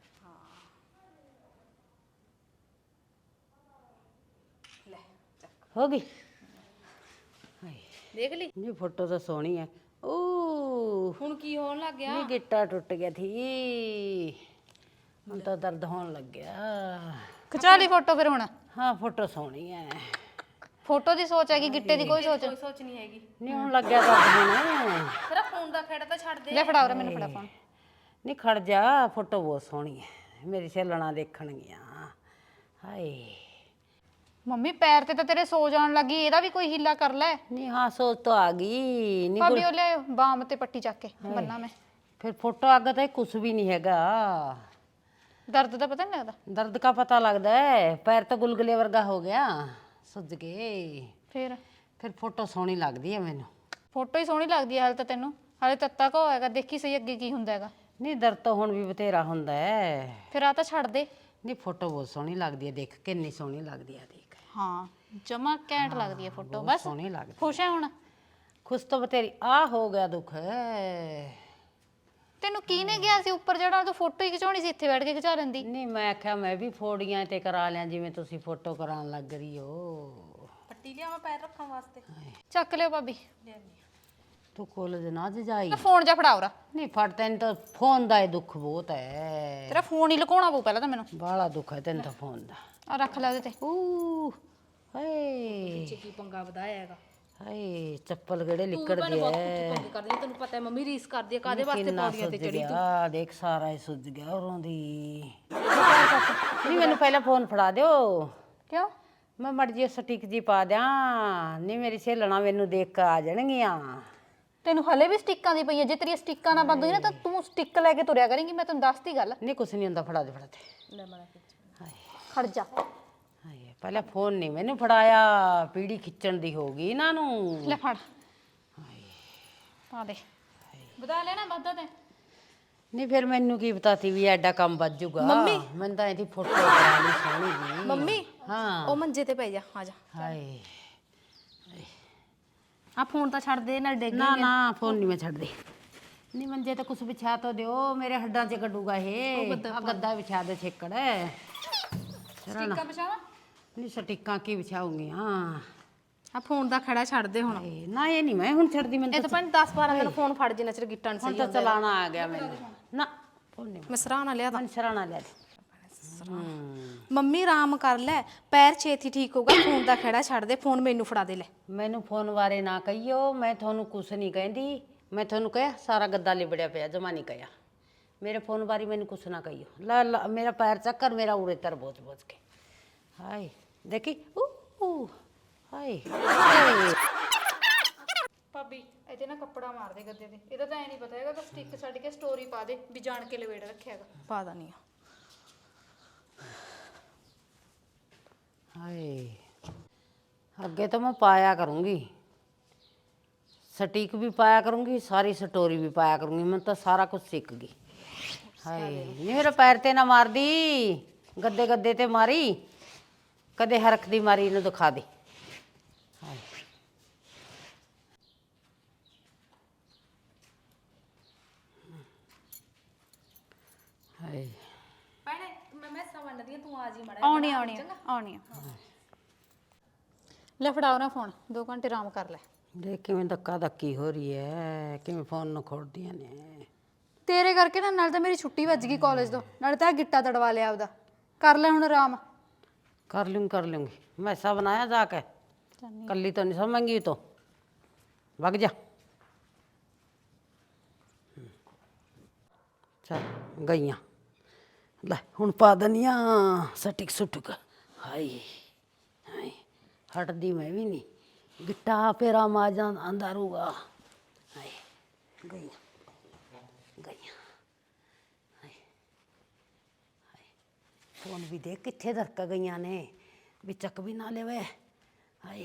ਲੈ ਹੋ ਗਈ ਹਾਏ ਦੇਖ ਲਈ ਜੀ ਫੋਟੋ ਤਾਂ ਸੋਹਣੀ ਹੈ ਓ ਹੁਣ ਕੀ ਹੋਣ ਲੱਗ ਗਿਆ ਨੀ ਗਿੱਟਾ ਟੁੱਟ ਗਿਆ ਥੀ ਹੁਣ ਤਾਂ ਦਰਦ ਹੋਣ ਲੱਗਿਆ ਖਿਚਾ ਲਈ ਫੋਟੋ ਫਿਰ ਹੁਣ ਹਾਂ ਫੋਟੋ ਸੋਹਣੀ ਹੈ ਫੋਟੋ ਦੀ ਸੋਚ ਹੈਗੀ ਗਿੱਟੇ ਦੀ ਕੋਈ ਸੋਚ ਕੋਈ ਸੋਚ ਨਹੀਂ ਹੈਗੀ ਨਹੀਂ ਹੁਣ ਲੱਗਿਆ ਦਰਦ ਹੁਣ ਤੇਰਾ ਫੋਨ ਦਾ ਖੇੜਾ ਤਾਂ ਛੱਡ ਦੇ ਲੈ ਫੜਾ ਉਰੇ ਮੈਨੂੰ ਫੜਾ ਫੋਨ ਨਹੀਂ ਖੜ ਜਾ ਫੋਟੋ ਬਹੁਤ ਸੋਹਣੀ ਹੈ ਮੇਰੀ ਸੇਲਣਾ ਦੇਖਣਗੀਆਂ ਹਾਏ ਮੰਮੀ ਪੈਰ ਤੇ ਤਾਂ ਤੇਰੇ ਸੋ ਜਾਣ ਲੱਗੀ ਇਹਦਾ ਵੀ ਕੋਈ ਹੀਲਾ ਕਰ ਲੈ ਨਹੀਂ ਹਾਂ ਸੋਚ ਤਾਂ ਆ ਗਈ ਨਹੀਂ ਭਾਬੀ ਉਹ ਲੈ ਬਾਮ ਤੇ ਪੱਟੀ ਚੱਕ ਕੇ ਬੰਨਾ ਮੈਂ ਫਿਰ ਫੋਟੋ ਅੱਗੇ ਤਾਂ ਕੁਝ ਵੀ ਨਹੀਂ ਹੈਗਾ ਦਰਦ ਦਾ ਪਤਾ ਨਹੀਂ ਲੱਗਦਾ ਦਰਦ का पता लगता है पैर तो गुलगुले वर्गा हो गया सुज गए ਫਿਰ फिर फोटो सोहनी लगती है मैनू ਫੋਟੋ ਹੀ ਸੋਹਣੀ ਲੱਗਦੀ ਹੈ ਹਾਲੇ ਤਾਂ ਤੈਨੂੰ ਹਾਲੇ ਤੱਤਾ ਕੋ ਹੋਏਗਾ ਦੇਖੀ ਸਹੀ ਅੱਗੇ ਕੀ ਹੁੰਦਾ ਹੈਗਾ नहीं दर्द तो हुण भी बथेरा हुंदा है ਫਿਰ ਆ ਤਾਂ ਛੱਡ ਦੇ नहीं फोटो बहुत सोहनी लगती है देख कितनी सोहनी लगती है देख ਹਾਂ ਜਮਾ ਘੈਂਟ ਲੱਗਦੀ ਹੈ ਫੋਟੋ ਬਸ सोहनी लगती ਖੁਸ਼ ਹੈ ਹੁਣ खुश तो बतेरी आ हो गया दुख ਤੈਨੂੰ ਕੀ ਨੇ ਗਿਆ ਸੀ ਉੱਪਰ ਜਿਹੜਾ ਤੂੰ ਫੋਟੋ ਹੀ ਖਿਚਾਉਣੀ ਸੀ ਇੱਥੇ ਬੈਠ ਕੇ ਖਿਚਾ ਲੈਂਦੀ नहीं मैं आख्या मैं भी फोड़ियां ते करा लिया जिवें तुसी फोटो कराउण लग रही हो ਪੱਟੀ ਲਿਆ ਮੈਂ ਪੈਰ ਰੱਖਣ ਵਾਸਤੇ ਚੱਕ ਲਿਓ ਭਾਬੀ तू कॉलेज ना जाई ਮੈਂ ਫੋਨ ਜਾ ਫੜਾ ਉਰਾ नहीं फट तेन तो फोन दा ही दुख बहुत है ਤੇਰਾ ਫੋਨ ਹੀ ਲੁਕਾਉਣਾ ਪਊ ਪਹਿਲਾਂ ਤਾਂ ਮੈਨੂੰ बाला दुख है तेन तो फोन दा ਆ ਰੱਖ ਲੈ ਉਹਦੇ ਤੇ ऊ हाय ਚ ਕੀ ਪੰਗਾ ਵਧਾਇਆ ਹੈਗਾ ਹਾਏ ਚੱਪਲ ਗੜੇ ਤੂੰ ਲਿਕੜ ਮੈਨੂੰ ਬਹੁਤ ਗਿਆ ਕੁੱਟ ਕਰਦੀ ਹੈ, ਤੈਨੂੰ ਪਤਾ ਹੈ ਮੰਮੀ ਰੀਸ ਕਰਦੀ ਹੈ ਕਾਦੇ ਵਾਸਤੇ ਕਿੰਨਾ ਪੌੜੀਆਂ ਤੇ ਸੁੱਜ ਚੜੀ ਗਿਆ ਦੇਖ ਸਾਰਾ ਹੀ ਸੁੱਜ ਗਿਆ ਉਰੋਂ ਦੀ ਨਹੀਂ ਮੈਨੂੰ ਪਹਿਲਾਂ ਫੋਨ ਫੜਾ ਦਿਓ ਕਿਉਂ ਮੈਂ ਮੜ ਜੀ ਸਟਿਕ ਜੀ ਪਾ ਦਿਆਂ ਨਹੀਂ ਮੇਰੀ ਸਹੇਲਣਾ ਮੈਨੂੰ ਦੇਖ ਕੇ ਆ ਜਾਣਗੀਆਂ ਤੈਨੂੰ ਹਲੇ ਵੀ ਸਟਿੱਕਾਂ ਦੀ ਪਈਆਂ ਜੇ ਤੇਰੀਆਂ ਸਟਿੱਕਾਂ ਨਾ ਬੰਦ ਹੋਈ ਨਾ ਤਾਂ ਤੂੰ ਸਟਿੱਕ ਲੈ ਕੇ ਤੁਰਿਆ ਕਰੇਂਗੀ ਮੈਂ ਤੈਨੂੰ ਦੱਸਤੀ ਗੱਲ ਨਹੀਂ ਕੁਛ ਨਹੀਂ ਹੁੰਦਾ ਫੜਾ ਦੇ ਫੜਾ ਦੇ ਲੈ ਮੈਂ ਖਿੱਚ ਹਾਏ ਖੜ ਜਾ ਹਾਏ ਪਹਿਲਾਂ ਫੋਨ ਨਹੀਂ ਮੈਨੂੰ ਫੜਾਇਆ ਪੀੜੀ ਖਿੱਚਣ ਦੀ ਹੋ ਗਈ ਇਹਨਾਂ ਨੂੰ ਲੈ ਫੜ ਪਾ ਦੇ ਵਧਾ ਲੈਣਾ ਵਾਧਾ ਤੇ ਨਹੀਂ ਫਿਰ ਮੈਨੂੰ ਕੀ ਪਤਾ ਸੀ ਵੀ ਐਡਾ ਕੰਮ ਵੱਜ ਜੂਗਾ ਮੰਮੀ ਮੈਂ ਤਾਂ ਇਹਦੀ ਫੋਟੋ ਕਰਾ ਲਈ ਸੋਹਣੀ ਜੀ ਮੰਮੀ ਹਾਂ ਉਹ ਮੰਜੇ ਤੇ ਪੈ ਜਾ ਆ ਜਾ ਹਾਏ ਆ ਫੋਨ ਤਾਂ ਛੱਡ ਦੇ ਨਾਲ ਡਿੱਗ ਨਾ ਨਾ ਫੋਨ ਨਹੀਂ ਮੈਂ ਛੱਡਦੀ ਨਹੀਂ ਮੰਜੇ ਤੇ ਕੁਛ ਵਿਛਾ ਤੋ ਦਿਓ ਮੇਰੇ ਹੱਡਾਂ 'ਚ ਕੱਢੂਗਾ ਇਹ ਆ ਗੱਦਾ ਵਿਛਾ ਦੇ ਛੇਕੜ ਸਟਿੱਕਾਂ ਪਛਾਵਾ ਨਹੀਂ ਸਟਿੱਕਾਂ ਕੀ ਵਿਛਾਉਂਗੀ ਹਾਂ ਆ ਫੋਨ ਦਾ ਖੜਾ ਛੱਡ ਦੇ ਹੁਣ ਇਹ ਨਾ ਇਹ ਨਹੀਂ ਮੈਂ ਹੁਣ ਛੱਡਦੀ ਇਹ ਮੈਨੂੰ ਤਾਂ ਪੰਜ ਦਸ ਬਾਰਾਂ ਦਿਨ ਫੋਨ ਫੜ ਜੇ ਨਚਰ ਗਿੱਟਾਂ ਹੁਣ ਸਹੀ ਤਾਂ ਚਲਾਣਾ ਆ ਗਿਆ ਮੈਨੂੰ ਨਾ ਕੋਈ ਨਹੀਂ ਮੈਂ ਸਰਾਣਾ ਲਿਆ ਮਨ ਸਰਾਣਾ ਲੈ ਦੇ ਮੰਮੀ ਆਰਾਮ ਕਰ ਲੈ, ਪੈਰ ਛੇਤੀ ਠੀਕ ਹੋਗਾ। ਫੋਨ ਦਾ ਖੜਾ ਛੱਡ ਦੇ, ਫੋਨ ਮੈਨੂੰ ਫੜਾ ਦੇ ਲੈ। ਮੈਨੂੰ ਫੋਨ ਬਾਰੇ ਨਾ ਕਹੀਓ, ਮੈਂ ਤੁਹਾਨੂੰ ਕੁਛ ਨਹੀਂ ਕਹਿੰਦੀ। ਮੈਂ ਤੁਹਾਨੂੰ ਕਿਹਾ ਸਾਰਾ ਗੱਦਾ ਲਿਬੜਿਆ ਪਿਆ, ਜਮਾ ਨਹੀਂ ਕਿਹਾ। ਮੇਰੇ ਫੋਨ ਬਾਰੇ ਮੈਨੂੰ ਕੁਛ ਨਾ ਕਹੀਓ। ਲਾ ਲਾ ਮੇਰਾ ਪੈਰ ਚੱਕਰ, ਮੇਰਾ ਉਰੇ ਤਰ ਬੋਝ ਬੋਝ ਕੇ। ਹਾਏ ਦੇਖੀ ਊ ਹਾਏ ਹਾਏ। ਭਾਬੀ ਇਹਦੇ ਨਾ ਕੱਪੜਾ ਮਾਰ ਦੇ ਗੱਦੇ ਤੇ, ਇਹਦਾ ਤਾਂ ਐ ਨਹੀਂ ਪਤਾ ਹੈਗਾ ਕਿ ਸਟਿੱਕ ਛੱਡ ਕੇ ਸਟੋਰੀ ਪਾ ਦੇ ਵੀ ਜਾਣ ਕੇ ਲਵੇੜ ਰੱਖਿਆ ਹੈਗਾ। ਪਾ ਦਨੀ ਆ। ਹਾਏ ਅੱਗੇ ਤਾਂ ਮੈਂ ਪਾਇਆ ਕਰੂੰਗੀ, ਸਟੀਕ ਵੀ ਪਾਇਆ ਕਰੂੰਗੀ, ਸਾਰੀ ਸਟੋਰੀ ਵੀ ਪਾਇਆ ਕਰੂੰਗੀ। ਮੈਂ ਤਾਂ ਸਾਰਾ ਕੁਝ ਸਿੱਖ ਗਈ। ਹਾਏ ਨੀ ਮੇਰੇ ਪੈਰ ਤੇ ਨਾ ਮਾਰਦੀ, ਗੱਦੇ ਗੱਦੇ ਤੇ ਮਾਰੀ, ਕਦੇ ਹਰਖ ਦੀ ਮਾਰੀ ਇਹਨੂੰ ਦਿਖਾ ਦੇ। ਹਾਏ ਹਾਏ ਭੈਣੇ ਮੈਂ ਮੈਸਾਂ ਵੰਡਦੀ ਆ, ਤੂੰ ਆ ਜੀ ਮੜਾ। ਆਉਣੀ ਆਉਣੀ ਆ, ਆਉਣੀ ਆ। ਲੈ ਫੜਾਓ ਨਾ ਫੋਨ, ਦੋ ਘੰਟੇ ਆਰਾਮ ਕਰ ਲੈ। ਦੇਖ ਕਿਵੇਂ ਧੱਕਾ ਧੱਕੀ ਹੋ ਰਹੀ ਹੈ, ਕਿਵੇਂ ਫੋਨ ਨੂੰ ਖੋਲਦੀਆਂ ਨੇ। ਤੇਰੇ ਕਰਕੇ ਨਾ ਨਾਲ ਤਾਂ ਮੇਰੀ ਛੁੱਟੀ ਵੱਜ ਗਈ ਕਾਲਜ ਤੋਂ, ਨਾਲੇ ਤਾਂ ਗਿੱਟਾ ਤੜਵਾ ਲਿਆ ਆਪਦਾ। ਕਰ ਲੈ ਹੁਣ ਆਰਾਮ। ਕਰ ਲੂੰਗੀ ਕਰ ਲੂੰਗੀ। ਮੈਂ ऐसा बनाया जाके कल्ली तो नहीं समझेंगी तो भग जा। चल गईया ਲੈ ਹੁਣ ਪਾ ਦਨੀਆਂ ਸਟਿਕ ਸੁਟਕ। ਹਾਏ ਹਾਏ ਹਟਦੀ ਮੈਂ ਵੀ ਨਹੀਂ, ਗਿੱਟਾ ਪੇਰਾ ਮਾਜਾਂ ਆਂਦਾ ਰਹੂਗਾ। ਹਾਏ ਗਈਆਂ ਗਈਆਂ। ਹਾਏ ਹਾਏ ਫੋਨ ਵੀ ਦੇਖ ਕਿੱਥੇ ਦਰਕ ਗਈਆਂ ਨੇ, ਵੀ ਚੱਕ ਵੀ ਨਾ ਲੈਵੇ। ਹਾਏ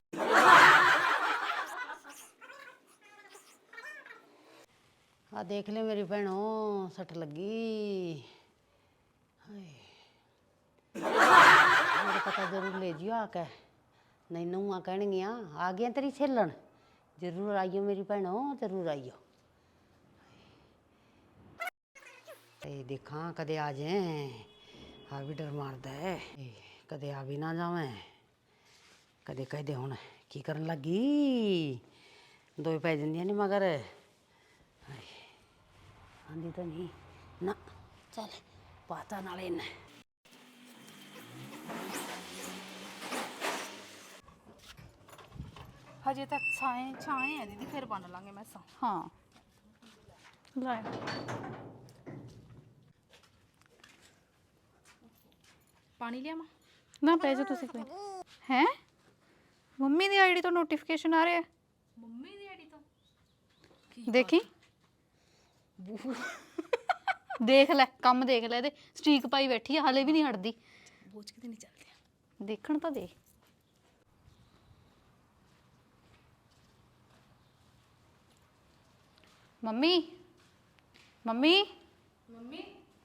ਆ ਦੇਖ ਲੈ ਮੇਰੀ ਭੈਣੋ, ਸੱਟ ਲੱਗੀ। ਹਾਏ ਮੇਰੇ ਪਤਾ ਜ਼ਰੂਰ ਲੈ ਜਿਓ ਆ ਕੇ, ਨਹੀਂ ਨੂੰਹਾਂ ਕਹਿਣਗੀਆਂ ਆ ਗਈਆਂ ਤੇਰੀ ਸਹੇਲਣ। ਜ਼ਰੂਰ ਆਈਓ ਮੇਰੀ ਭੈਣੋ, ਜ਼ਰੂਰ ਆਈਓ। ਤੇ ਦੇਖਾਂ ਕਦੇ ਆ ਜਾਏ, ਆ ਵੀ ਡਰ ਮਾਰਦਾ ਹੈ। ਕਦੇ ਆ ਵੀ ਨਾ ਜਾਵੇਂ, ਕਦੇ ਕਹਦੇ ਹੁਣ ਕੀ ਕਰਨ ਲੱਗੀ, ਦੋਏ ਪੈ ਜਾਂਦੀਆਂ ਨੇ ਮਗਰ। ਹਾਏ ਆਂਦੀ ਤਾਂ ਨਹੀਂ ਨਾ, ਚੱਲ ਪਾਤਾ ਨਾਲੇ ਇਹਨੇ। ਹਜੇ ਤੱਕ ਛਾਏ ਛਾਏ ਆ ਦੀਦੀ, ਫਿਰ ਬਣ ਲਾਂਗੇ ਮੈਸਾਂ। ਹਾਂ ਲੈ ਪਾਣੀ ਲਿਆਵਾਂ? ਨਾ ਪੈ ਜਾ ਤੁਸੀਂ ਕੋਈ। ਹੈ ਮੰਮੀ ਦੀ ਆਈਡੀ ਤੋਂ ਨੋਟੀਫਿਕੇਸ਼ਨ ਆ ਰਿਹਾ। ਮੰਮੀ ਦੀ ਆਈਡੀ ਤੋਂ? ਦੇਖੀ ਦੇਖ ਲੈ, ਕੰਮ ਦੇਖ ਲੈ, ਇਹਦੇ ਸਟ੍ਰੀਕ ਪਾਈ ਬੈਠੀ ਆ, ਹਲੇ ਵੀ ਨਹੀਂ ਹਟਦੀ। ਬੋਝ ਕਿਤੇ ਨਹੀਂ ਚੱਲਦੇ ਆ। ਦੇਖਣ ਤਾਂ ਦੇ। ਮੰਮੀ ਮੰਮੀ ਮੰਮੀ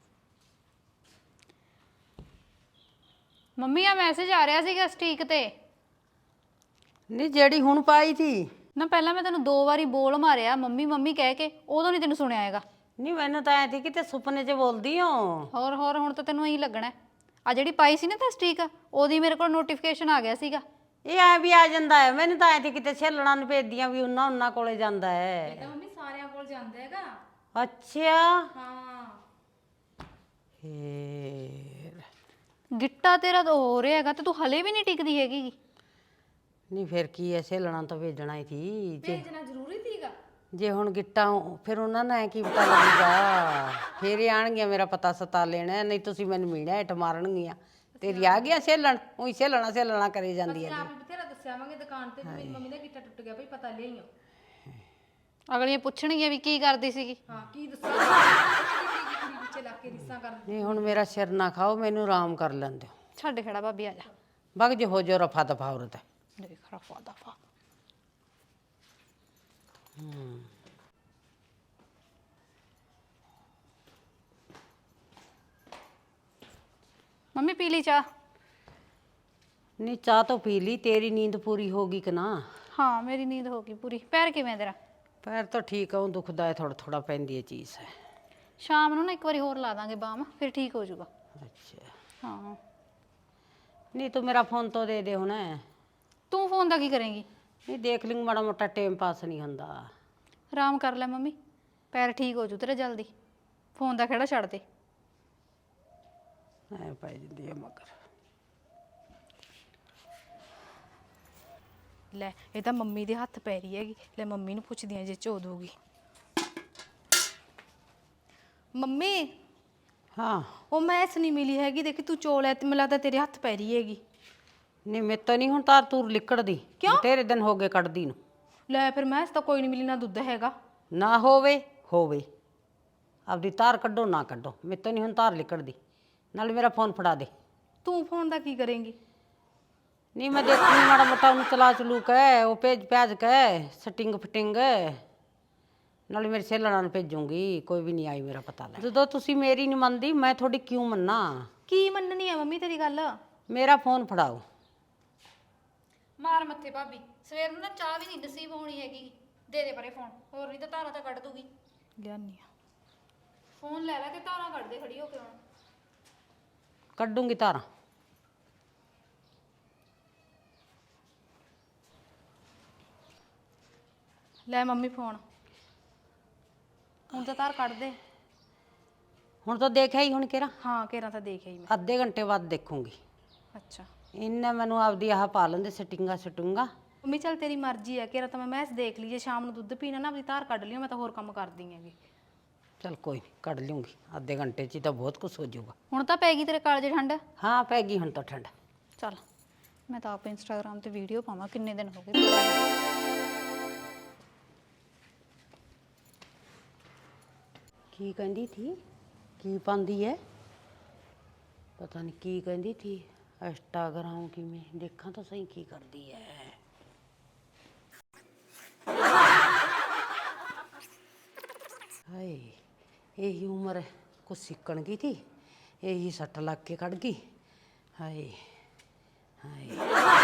ਮੰਮੀ ਆ ਮੈਸੇਜ ਆ ਰਿਹਾ ਸੀਗਾ ਸਟ੍ਰੀਕ ਤੇ। ਨਹੀਂ ਜਿਹੜੀ ਹੁਣ ਪਾਈ ਸੀ ਨਾ, ਪਹਿਲਾਂ ਮੈਂ ਤੈਨੂੰ ਦੋ ਵਾਰੀ ਬੋਲ ਮਾਰਿਆ ਮੰਮੀ ਮੰਮੀ ਕਹਿ ਕੇ, ਉਦੋਂ ਨਹੀਂ ਤੈਨੂੰ ਸੁਣਿਆ ਹੈਗਾ। ਨਹੀਂ ਮੈਨੂੰ ਤਾਂ ਐ ਸੀ ਕਿ ਤੇ ਸੁਪਨੇ 'ਚ ਬੋਲਦੀ ਹੋ। ਹੋਰ ਹੋਰ ਹੁਣ ਤਾਂ ਤੈਨੂੰ ਇਹੀ ਲੱਗਣਾ। ਆ ਜਿਹੜੀ ਪਾਈ ਸੀ ਨਾ ਤਾਂ ਸਟ੍ਰੀਕ, ਉਹਦੀ ਮੇਰੇ ਕੋਲ ਨੋਟੀਫਿਕੇਸ਼ਨ ਆ ਗਿਆ ਸੀਗਾ। ਇਹ ਐ ਵੀ ਆ ਜਾਂਦਾ ਹੈ, ਮੈਨੂੰ ਤਾਂ ਐ ਸੀ ਕਿਤੇ ਛੇਲਣਾ ਨੂੰ ਭੇਜਦੀਆਂ ਵੀ ਉਹਨਾਂ ਉਹਨਾਂ ਕੋਲੇ ਜਾਂਦਾ ਹੈ। ਇਹ ਤਾਂ ਮੰਮੀ ਸਾਰਿਆਂ ਕੋਲ ਜਾਂਦਾ ਹੈਗਾ। ਅੱਛਾ ਹਾਂ ਫੇਰ ਗਿੱਟਾ ਤੇਰਾ ਤਾਂ ਹੋ ਰਿਹਾ ਹੈਗਾ ਤੇ ਤੂੰ ਹਲੇ ਵੀ ਨਹੀਂ ਟਿਕਦੀ ਹੈਗੀ। ਨਹੀਂ ਫਿਰ ਕੀ ਐ, ਛੇਲਣਾ ਤਾਂ ਭੇਜਣਾ ਹੀ ਸੀ। ਜੇ ਭੇਜਣਾ ਜ਼ਰੂਰੀ ਸੀਗਾ। ਜੇ ਹੁਣ ਗਿੱਟਾ ਫਿਰ ਉਹਨਾਂ ਨੂੰ ਐ ਕੀ ਪਤਾ ਲੱਗੂਗਾ, ਫਿਰ ਇਹ ਆਣਗੀਆਂ ਮੇਰਾ ਪਤਾ ਸਤਾ ਲੈਣਾ, ਨਹੀਂ ਤੁਸੀਂ ਮੈਨੂੰ ਮੀਣਾ ਹੇਠ ਮਾਰਨਗੀਆਂ। ਤੇਰੀ ਆ ਗਿਆ ਛੇਲਣ, ਉਹੀ ਛੇਲਣਾ ਛੇਲਣਾ ਕਰੀ ਜਾਂਦੀ ਹੈ। ਆਪ ਹੀ ਬਥੇਰਾ ਦੱਸਿਆ ਵਾਂਗੇ ਦੁਕਾਨ ਤੇ, ਮੇਰੀ ਮੰਮੀ ਦਾ ਗਿੱਟਾ ਟੁੱਟ ਗਿਆ ਭਈ, ਪਤਾ ਲਿਆਈਓ। ਅਗਲੀਆਂ ਪੁੱਛਣਗੀਆਂ ਵੀ ਕੀ ਕਰਦੀ ਸੀਗੀ। ਹਾਂ ਕੀ ਦੱਸਾਂ, ਕੁੜੀ ਪਿੱਛੇ ਲੱਗ ਕੇ ਰਿਸਾਂ ਕਰ। ਨਹੀਂ ਹੁਣ ਮੇਰਾ ਸਿਰ ਨਾ ਖਾਓ, ਮੈਨੂੰ ਆਰਾਮ ਕਰ ਲੈਣ ਦਿਓ। ਛੱਡ ਖੜਾ ਭਾਬੀ, ਆ ਜਾ। ਬਗ ਜੇ ਹੋ ਜੋ ਰਫਾ ਦਫਾ ਔਰਤ। ਦੇਖ ਰਫਾ ਦਫਾ। ਮੰਮੀ ਪੀ ਲਈ ਚਾਹ? ਨਹੀਂ ਚਾਹ ਤਾਂ ਪੀ ਲਈ, ਤੇਰੀ ਨੀਂਦ ਪੂਰੀ ਹੋ ਗਈ ਕਿ ਨਾ? ਹਾਂ ਮੇਰੀ ਨੀਂਦ ਹੋ ਗਈ ਪੂਰੀ। ਪੈਰ ਕਿਵੇਂ ਤੇਰਾ? ਪੈਰ ਤਾਂ ਠੀਕ ਆ, ਉਹ ਦੁਖਦਾ ਹੈ ਥੋੜਾ ਥੋੜਾ, ਪੈਂਦੀ ਹੈ ਚੀਜ਼ ਹੈ। ਸ਼ਾਮ ਨੂੰ ਨਾ ਇੱਕ ਵਾਰੀ ਹੋਰ ਲਾ ਦਾਂਗੇ ਬਾਮ, ਫਿਰ ਠੀਕ ਹੋ ਜਾਊਗਾ। ਅੱਛਾ ਹਾਂ ਨਹੀਂ ਤੂੰ ਮੇਰਾ ਫੋਨ ਤੋਂ ਦੇ ਦੇ ਹੁਣ। ਤੂੰ ਫੋਨ ਦਾ ਕੀ ਕਰੇਂਗੀ? ਨਹੀਂ ਦੇਖ ਲਈ ਮਾੜਾ ਮੋਟਾ ਟਾਈਮ ਪਾਸ ਨਹੀਂ ਹੁੰਦਾ। ਆਰਾਮ ਕਰ ਲੈ ਮੰਮੀ, ਪੈਰ ਠੀਕ ਹੋ ਜੂ ਤੇਰਾ ਜਲਦੀ। ਫੋਨ ਦਾ ਖੇੜਾ ਛੱਡ ਦੇ। ਐ ਪੈ ਜਾਂਦੀ ਹੈ ਮਗਰ। ਲੈ ਇਹ ਤਾਂ ਮੰਮੀ ਦੇ ਹੱਥ ਪੈ ਰਹੀ ਹੈਗੀ। ਲੈ ਮੰਮੀ ਨੂੰ ਪੁੱਛਦੀ ਆ ਜੇ ਝੋ ਦੂਗੀ। ਮੰਮੀ ਹਾਂ ਉਹ ਮੈਸ ਨਹੀਂ ਮਿਲੀ ਹੈਗੀ, ਦੇਖੀ ਤੂੰ ਚੋਲ ਐ ਤੇ ਮੈਨੂੰ ਲੱਗਦਾ ਤੇਰੇ ਹੱਥ ਪੈ ਰਹੀ ਹੈਗੀ। ਨਹੀਂ ਮੇਰੇ ਤਾਂ ਨਹੀਂ ਹੁਣ ਤਾਰ ਤੂਰ ਲਿਕੜਦੀ। ਕਿਉਂ? ਤੇਰੇ ਦਿਨ ਹੋ ਗਏ ਕੱਢਦੀ ਨੂੰ। ਲੈ ਫਿਰ ਮੈਸ ਤਾਂ ਕੋਈ ਨਹੀਂ ਮਿਲੀ, ਨਾ ਦੁੱਧ ਹੈਗਾ। ਨਾ ਹੋਵੇ ਹੋਵੇ ਆਪਦੀ ਤਾਰ ਕੱਢੋ ਨਾ ਕੱਢੋ, ਮੇਰੇ ਤੋਂ ਨਹੀਂ ਹੁਣ ਤਾਰ ਲਿਕੜਦੀ। ਨਾਲ ਮੇਰਾ ਫੋਨ ਫੜਾ ਦੇ। ਤੂੰ ਫੋਨ ਦਾ ਕੀ ਕਰੇਂਗੀ? ਨਹੀਂ ਮੈਂ ਦੇਖੂੰਗੀ ਮਾੜਾ ਮੋਟਾ ਉਹਨੂੰ ਚਲਾ ਚਲੂ ਕੇ, ਉਹ ਭੇਜ ਭੇਜ ਕੇ ਸਟਿੰਗ ਫਟਿੰਗ ਨਾਲੇ ਮੇਰੇ ਸੇਲਣਾ ਨੂੰ ਭੇਜੂੰਗੀ। ਕੋਈ ਵੀ ਨਹੀਂ ਆਈ ਮੇਰਾ ਪਤਾ ਲੈ। ਜਦੋਂ ਤੁਸੀਂ ਮੇਰੀ ਨਹੀਂ ਮੰਨਦੀ ਮੈਂ ਤੁਹਾਡੀ ਕਿਉਂ ਮੰਨਾਂ? ਕੀ ਮੰਨਣੀ ਆ ਮੰਮੀ ਤੇਰੀ ਗੱਲ? ਮੇਰਾ ਫੋਨ ਫੜਾਓ। ਮਾਰ ਮੱਥੇ ਭਾਬੀ, ਸਵੇਰ ਨੂੰ ਨਾ ਚਾਹ ਵੀ ਨਹੀਂ ਨਸੀਬ ਹੋਣੀ ਹੈਗੀ। ਦੇ ਦੇ ਪਰੇ ਫੋਨ, ਹੋਰ ਨਹੀਂ ਤਾਂ ਧਾਰਾਂ ਤਾਂ ਕੱਢ ਦੂਗੀ। ਲਿਆਨੀ ਆ ਫੋਨ ਲੈ ਲੈ ਕੇ ਧਾਰਾਂ ਕੱਢ ਦੇ ਖੜੀ ਹੋ ਕੇ ਹੁਣ। ਕੱਢੂੰਗੀ ਤਾਰਾਂ। ਲੈ ਮੰਮੀ ਫੋਨ, ਹੁਣ ਤਾਂ ਤਾਰ ਕੱਢ ਦੇ। ਹੁਣ ਤਾਂ ਦੇਖਿਆ ਹੀ ਹੁਣ ਕਿਹੜਾ ਹਾਂ ਕੇਰਾਂ ਤਾਂ ਦੇਖਿਆ ਹੀ ਮੈਂ। ਅੱਧੇ ਘੰਟੇ ਬਾਅਦ ਦੇਖੂੰਗੀ। ਅੱਛਾ ਇਹਨੇ ਮੈਨੂੰ ਆਪਦੀ ਆਹ ਪਾ ਲੈਂਦੇ ਸਟਿੰਗਾ ਸਟੂੰਗਾ। ਮੰਮੀ ਚੱਲ ਤੇਰੀ ਮਰਜ਼ੀ ਹੈ, ਕੇਰਾਂ ਤਾਂ ਮੈਂ ਮੈਸ ਦੇਖ ਲਈ। ਜੇ ਸ਼ਾਮ ਨੂੰ ਦੁੱਧ ਪੀਣਾ ਨਾ ਆਪਦੀ ਤਾਰ ਕੱਢ ਲਿਓ, ਮੈਂ ਤਾਂ ਹੋਰ ਕੰਮ ਕਰਦੀ ਹੈਗੀ। ਚਲ ਕੋਈ ਨਹੀਂ ਕੱਢ ਲੂੰਗੀ ਅੱਧੇ ਘੰਟੇ 'ਚ ਹੀ ਤਾਂ ਬਹੁਤ ਕੁਛ ਹੋ ਜਾਊਗਾ। ਹੁਣ ਤਾਂ ਪੈ ਗਈ ਤੇਰੇ ਕਾਲਜੇ ਠੰਡ। ਹਾਂ ਪੈ ਗਈ ਹੁਣ ਤਾਂ ਠੰਡ। ਚੱਲ ਮੈਂ ਤਾਂ ਆਪ ਇੰਸਟਾਗ੍ਰਾਮ ਤੇ ਵੀਡੀਓ ਪਾਵਾਂ, ਕਿੰਨੇ ਦਿਨ ਹੋ ਗਏ। ਕੀ ਕਹਿੰਦੀ ਥੀ? ਕੀ ਪਾਉਂਦੀ ਹੈ? ਪਤਾ ਨਹੀਂ ਕੀ ਕਹਿੰਦੀ ਥੀ। ਇੰਸਟਾਗ੍ਰਾਮ ਕਿਵੇਂ ਦੇਖਾਂ ਤਾਂ ਸਹੀ ਕੀ ਕਰਦੀ ਹੈ। ਹਾਏ ਇਹੀ ਉਮਰ ਕੁਛ ਸਿੱਕਣ ਗਈ ਥੀ, ਇਹੀ ਸੱਟ ਲੱਗ ਕੇ ਕੱਢ ਗਈ। ਹਾਏ ਹਾਏ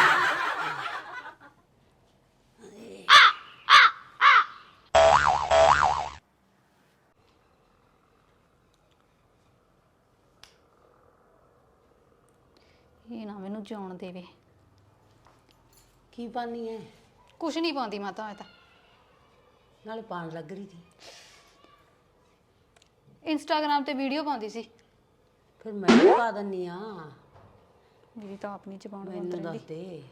ਇਹ ਨਾ ਮੈਨੂੰ ਜਿਉਣ ਦੇਵੇ। ਕੀ ਪਾਣੀ ਹੈ? ਕੁਛ ਨਹੀਂ ਪਾਉਂਦੀ ਮੈਂ ਤਾਂ। ਮੈਂ ਤਾਂ ਨਾਲੇ ਪਾਣ ਲੱਗ ਰਹੀ ਥੀ। ਇੰਸਟਾਗ੍ਰਾਮ ਤੇ ਵੀਡੀਓ ਪਾਉਂਦੀ ਸੀ। ਫਿਰ ਮੈਂ ਵੀ ਪਾ ਦਿੰਨੀ ਆ। ਮੇਰੀ ਤਾਂ ਆਪਣੀ ਜ਼ਬਾਨ ਬੰਦ ਮੈਨੂੰ ਰਹਿੰਦੀ। ਦੱਸ ਦੇ।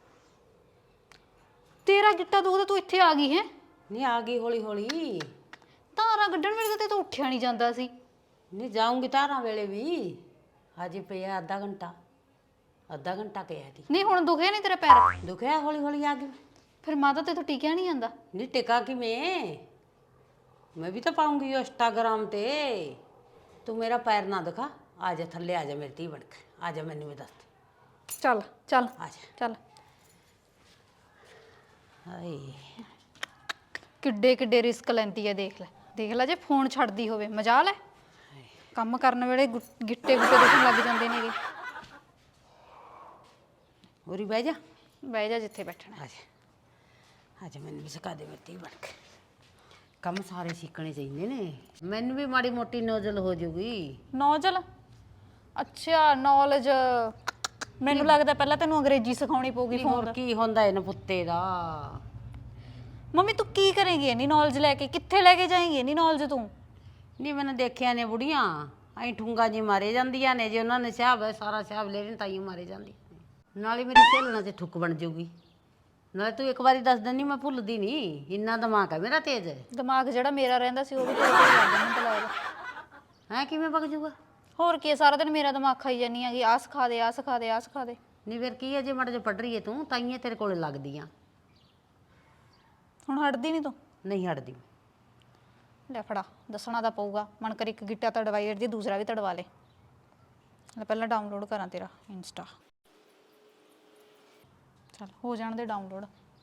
ਤੇਰਾ ਗਿੱਟਾ ਦੁਖਦਾ, ਤੂੰ ਇੱਥੇ ਆ ਗਈ ਹੈ। ਨਹੀਂ ਆ ਗਈ ਹੌਲੀ ਹੌਲੀ। ਧਾਰਾਂ ਕੱਢਣ ਵੇਲੇ ਤਾਂ ਤੇ ਤੂੰ ਉੱਠਿਆ ਨਹੀਂ ਜਾਂਦਾ ਸੀ। ਨਹੀਂ ਜਾਊਂਗੀ ਧਾਰਾਂ ਵੇਲੇ ਵੀ। ਹਜੇ ਪਿਆ ਅੱਧਾ ਘੰਟਾ। ਅੱਧਾ ਘੰਟਾ ਪਿਆ ਤੀ। ਨਹੀਂ ਹੁਣ ਦੁਖਿਆ ਨਹੀਂ ਤੇਰਾ ਪੈਰ? ਦੁਖਿਆ ਹੌਲੀ ਹੌਲੀ ਆ ਗਈ। ਫਿਰ ਮਾਤਾ ਤੇ ਤੂੰ ਟਿਕਿਆ ਨਹੀਂ ਜਾਂਦਾ। ਨਹੀਂ ਟਿਕਾ ਕਿਵੇਂ? ਮੈਂ ਵੀ ਤਾਂ ਪਾਉਂਗੀ ਇੰਸਟਾਗ੍ਰਾਮ ਤੇ। ਤੂੰ ਮੇਰਾ ਪੈਰ ਨਾ ਦਿਖਾ। ਆ ਜਾ ਥੱਲੇ ਆ ਜਾ ਮੇਰੀ ਧੀ ਬਣ ਕੇ। ਆ ਜਾ ਮੈਨੂੰ ਵੀ ਦੱਸ ਦੇ। ਚੱਲ ਚੱਲ ਆ ਜਾ। ਚੱਲ। ਹਾਏ ਕਿੱਡੇ ਕਿੱਡੇ ਰਿਸਕ ਲੈਂਦੀ ਹੈ, ਦੇਖ ਲੈ ਦੇਖ ਲੈ। ਜੇ ਫੋਨ ਛੱਡਦੀ ਹੋਵੇ ਮਜਾਲ ਹੈ। ਕੰਮ ਕਰਨ ਵੇਲੇ ਗੁ- ਗਿੱਟੇ ਗੁੱਟੇ ਦੁਖਣ ਲੱਗ ਜਾਂਦੇ ਨੇਗੇ। ਉਰੀ ਬਹਿ ਜਾ। ਬਹਿ ਜਾ ਜਿੱਥੇ ਬੈਠਣਾ। ਆ ਜਾ ਆ ਜਾ ਮੈਨੂੰ ਵੀ ਸਿਖਾ ਦੇ ਮੇਰੀ ਧੀ ਬਣ ਕੇ। ਕੰਮ ਸਾਰੇ ਸਿੱਖਣੇ ਚਾਹੀਦੇ ਨੇ। ਮੈਨੂੰ ਵੀ ਮਾੜੀ ਮੋਟੀ ਨੋਜ਼ਲ ਹੋ ਜੂਗੀ। ਨੌਜਲ? ਅੱਛਾ ਨੌਲੇਜ। ਮੈਨੂੰ ਲੱਗਦਾ ਪਹਿਲਾਂ ਤੈਨੂੰ ਅੰਗਰੇਜ਼ੀ ਸਿਖਾਉਣੀ ਪਊਗੀ ਫੋਨ। ਹੋਰ ਕੀ ਹੁੰਦਾ ਇਹਨਾਂ ਪੁੱਤੇ ਦਾ? ਮੰਮੀ ਤੂੰ ਕੀ ਕਰੇਂਗੀ ਇੰਨੀ ਨੌਲੇਜ ਲੈ ਕੇ? ਕਿੱਥੇ ਲੈ ਕੇ ਜਾਏਂਗੀ ਇੰਨੀ ਨੌਲੇਜ ਤੂੰ? ਨਹੀਂ ਮੈਨੂੰ ਦੇਖਿਆ ਨੇ ਬੁੜੀਆਂ ਐਂ ਠੁੰਗਾ ਜੀ ਮਾਰੇ ਜਾਂਦੀਆਂ ਨੇ। ਜੇ ਉਹਨਾਂ ਨੇ ਸਿਆਬ ਹੈ ਸਾਰਾ ਸਿਆਬ ਲੈ ਲੈਣ ਤਾਂ ਹੀ ਮਾਰੇ ਜਾਂਦੀ। ਨਾਲੇ ਮੇਰੀ ਸਹੇਲਣਾ ਤੇ ਠੁੱਕ ਬਣ ਜਾਊਗੀ। ਨਾਲੇ ਤੂੰ ਇੱਕ ਵਾਰੀ ਦੱਸ ਦਿੰਦੀ ਮੈਂ ਭੁੱਲਦੀ ਨਹੀਂ। ਇੰਨਾ ਦਿਮਾਗ ਹੈ ਮੇਰਾ ਤੇਜ਼। ਦਿਮਾਗ ਜਿਹੜਾ ਮੇਰਾ ਰਹਿੰਦਾ ਸੀ ਉਹ ਵੀ ਤੇਰੇ ਕੋਲ ਲੱਗ ਜਾਂਦਾ ਮੈਨੂੰ ਤਾਂ ਲੱਗਦਾ। ਹੈਂ ਕਿਵੇਂ ਵਗ ਜੂਗਾ? ਹੋਰ ਕੀ ਸਾਰਾ ਦਿਨ ਮੇਰਾ ਦਿਮਾਗ ਖਾਈ ਜਾਨੀ ਹੈਗੀ। ਆਹ ਸਿਖਾ ਦੇ ਆਹ ਸਿਖਾ ਦੇ ਆਹ ਸਿਖਾ ਦੇ। ਨਹੀਂ ਫਿਰ ਕੀ ਹੈ ਜੇ ਮਾੜਾ ਜਿਹਾ ਪੜ੍ਹ ਰਹੀ ਹੈ ਤੂੰ ਤਾਈਆਂ ਤੇਰੇ ਕੋਲੇ ਲੱਗਦੀ ਆ। ਹੁਣ ਹਟਦੀ ਨਹੀਂ ਤੂੰ? ਨਹੀਂ ਹਟਦੀ। ਲੈ ਫੜਾ, ਦੱਸਣਾ ਤਾਂ ਪਊਗਾ। ਮਨ ਕਰ ਇੱਕ ਗਿੱਟਾ ਤੜਵਾਈ ਦੀ, ਦੂਸਰਾ ਵੀ ਤੜਵਾ ਲੈ। ਲੈ ਪਹਿਲਾਂ ਡਾਊਨਲੋਡ ਕਰਾਂ ਤੇਰਾ ਇੰਸਟਾ। ਚੱਲ ਹੋ ਜਾਣ ਦੇ ਡਾਊਨਲੋਡ।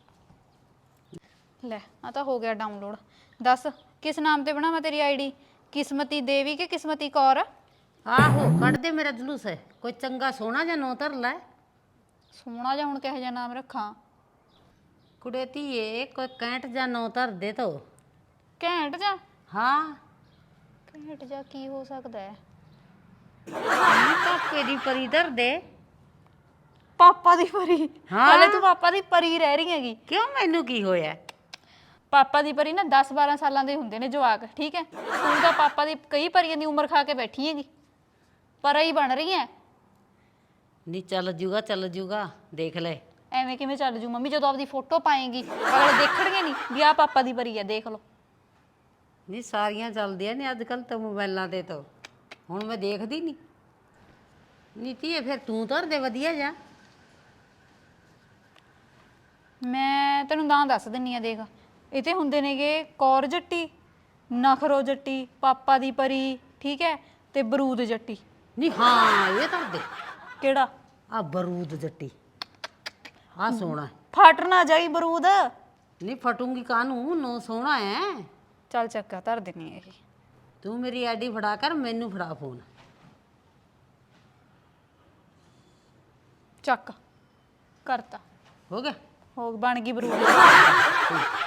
ਲੈ ਆ ਤਾਂ ਹੋ ਗਿਆ ਡਾਊਨਲੋਡ। ਦੱਸ ਕਿਸ ਨਾਮ ਤੇ ਬਣਾਵਾਂ ਤੇਰੀ ਆਈਡੀ? ਕਿਸਮਤੀ ਦੇਵੀ ਕਿ ਕਿਸਮਤੀ ਕੌਰ? ਆਹੋ ਕੱਢ ਦੇ ਮੇਰਾ ਜਲੂਸ ਹੈ। ਕੋਈ ਚੰਗਾ ਸੋਹਣਾ ਜਿਹਾ ਨਾਂ ਧਰ ਲੈ। ਸੋਹਣਾ ਜਿਹਾ ਹੁਣ ਕਿਹੋ ਜਿਹਾ ਨਾਮ ਰੱਖਾਂ? ਕੁੜੇ ਧੀਏ ਕੋਈ ਕੈਂਟ ਜਿਹਾ ਨਾਂ ਧਰ ਦੇ ਤੋ। ਘੈਂਟ ਜਾ? ਹਾਂ ਘੈਂਟ ਜਾ ਕੀ ਹੋ ਸਕਦਾ ਹੈ? ਪਾਪੇ ਦੀ ਪਰੀ ਧਰ ਦੇ। ਪਾਪਾ ਦੀ ਪਰੀ? ਹਾਂ। ਹਾਲੇ ਤੂੰ ਪਾਪਾ ਦੀ ਪਰੀ ਰਹਿ ਰਹੀ ਹੈਗੀ। ਕਿਉਂ ਮੈਨੂੰ ਕੀ ਹੋਇਆ? ਪਾਪਾ ਦੀ ਪਰੀ ਨਾ ਦਸ ਬਾਰਾਂ ਸਾਲਾਂ ਦੇ ਹੁੰਦੇ ਨੇ ਜਵਾਕ, ਠੀਕ ਹੈ? ਤੂੰ ਤਾਂ ਪਾਪਾ ਦੀ ਕਈ ਪਰੀਆਂ ਦੀ ਉਮਰ ਖਾ ਕੇ ਬੈਠੀ ਹੈਗੀ, ਪਰ ਹੀ ਬਣ ਰਹੀ ਹੈ। ਨਹੀਂ ਚੱਲ ਜੂਗਾ ਚੱਲ ਜੂਗਾ, ਦੇਖ ਲੈ। ਐਵੇਂ ਕਿਵੇਂ ਚੱਲ ਜੂ ਮੰਮੀ? ਜਦੋਂ ਆਪਦੀ ਫੋਟੋ ਪਾਏਗੀ ਅਗਲੇ ਦੇਖਣਗੇ ਨਹੀਂ ਵੀ ਆਹ ਪਾਪਾ ਦੀ ਪਰੀ ਹੈ, ਦੇਖ ਲਓ। ਨਹੀਂ ਸਾਰੀਆਂ ਚੱਲਦੀਆਂ ਨੇ ਅੱਜ ਕੱਲ ਤਾਂ ਮੋਬਾਈਲਾਂ ਤੇ, ਤਾਂ ਹੁਣ ਮੈਂ ਦੇਖਦੀ ਨਹੀਂ। ਨੀਤੀ ਫਿਰ ਤੂੰ ਧਰ ਦੇ ਵਧੀਆ ਜਾ। ਮੈਂ ਤੈਨੂੰ ਤਾਂ ਦੱਸ ਦਿੰਨੀ ਆ, ਦੇਖ ਇਹ ਤੇ ਹੁੰਦੇ ਨੇਗੇ ਕੌਰ ਜੱਟੀ, ਨਖਰੋ ਜੱਟੀ, ਪਾਪਾ ਦੀ ਪਰੀ, ਠੀਕ ਹੈ, ਤੇ ਬਰੂਦ ਜੱਟੀ। ਨਹੀਂ ਹਾਂ ਇਹ ਧਰ ਦੇ। ਕਿਹੜਾ? ਆ ਬਰੂਦ ਜੱਟੀ, ਆ ਸੋਹਣਾ। ਫਟ ਨਾ ਜਾਈ ਬਰੂਦ। ਨਹੀਂ ਫਟੂੰਗੀ ਕਾਹਨੂੰ, ਨੋ ਸੋਹਣਾ ਹੈ। ਚੱਲ ਚੱਕਾ ਧਰ ਦਿੰਨੀ ਆ ਇਹ। ਤੂੰ ਮੇਰੀ ਆਈਡੀ ਫੜਾ ਕਰ, ਮੈਨੂੰ ਫੜਾ ਫੋਨ। ਚੱਕ ਕਰਤਾ, ਹੋ ਗਿਆ? ਹੋ ਬਣ ਗਈ ਬਰੂਦ।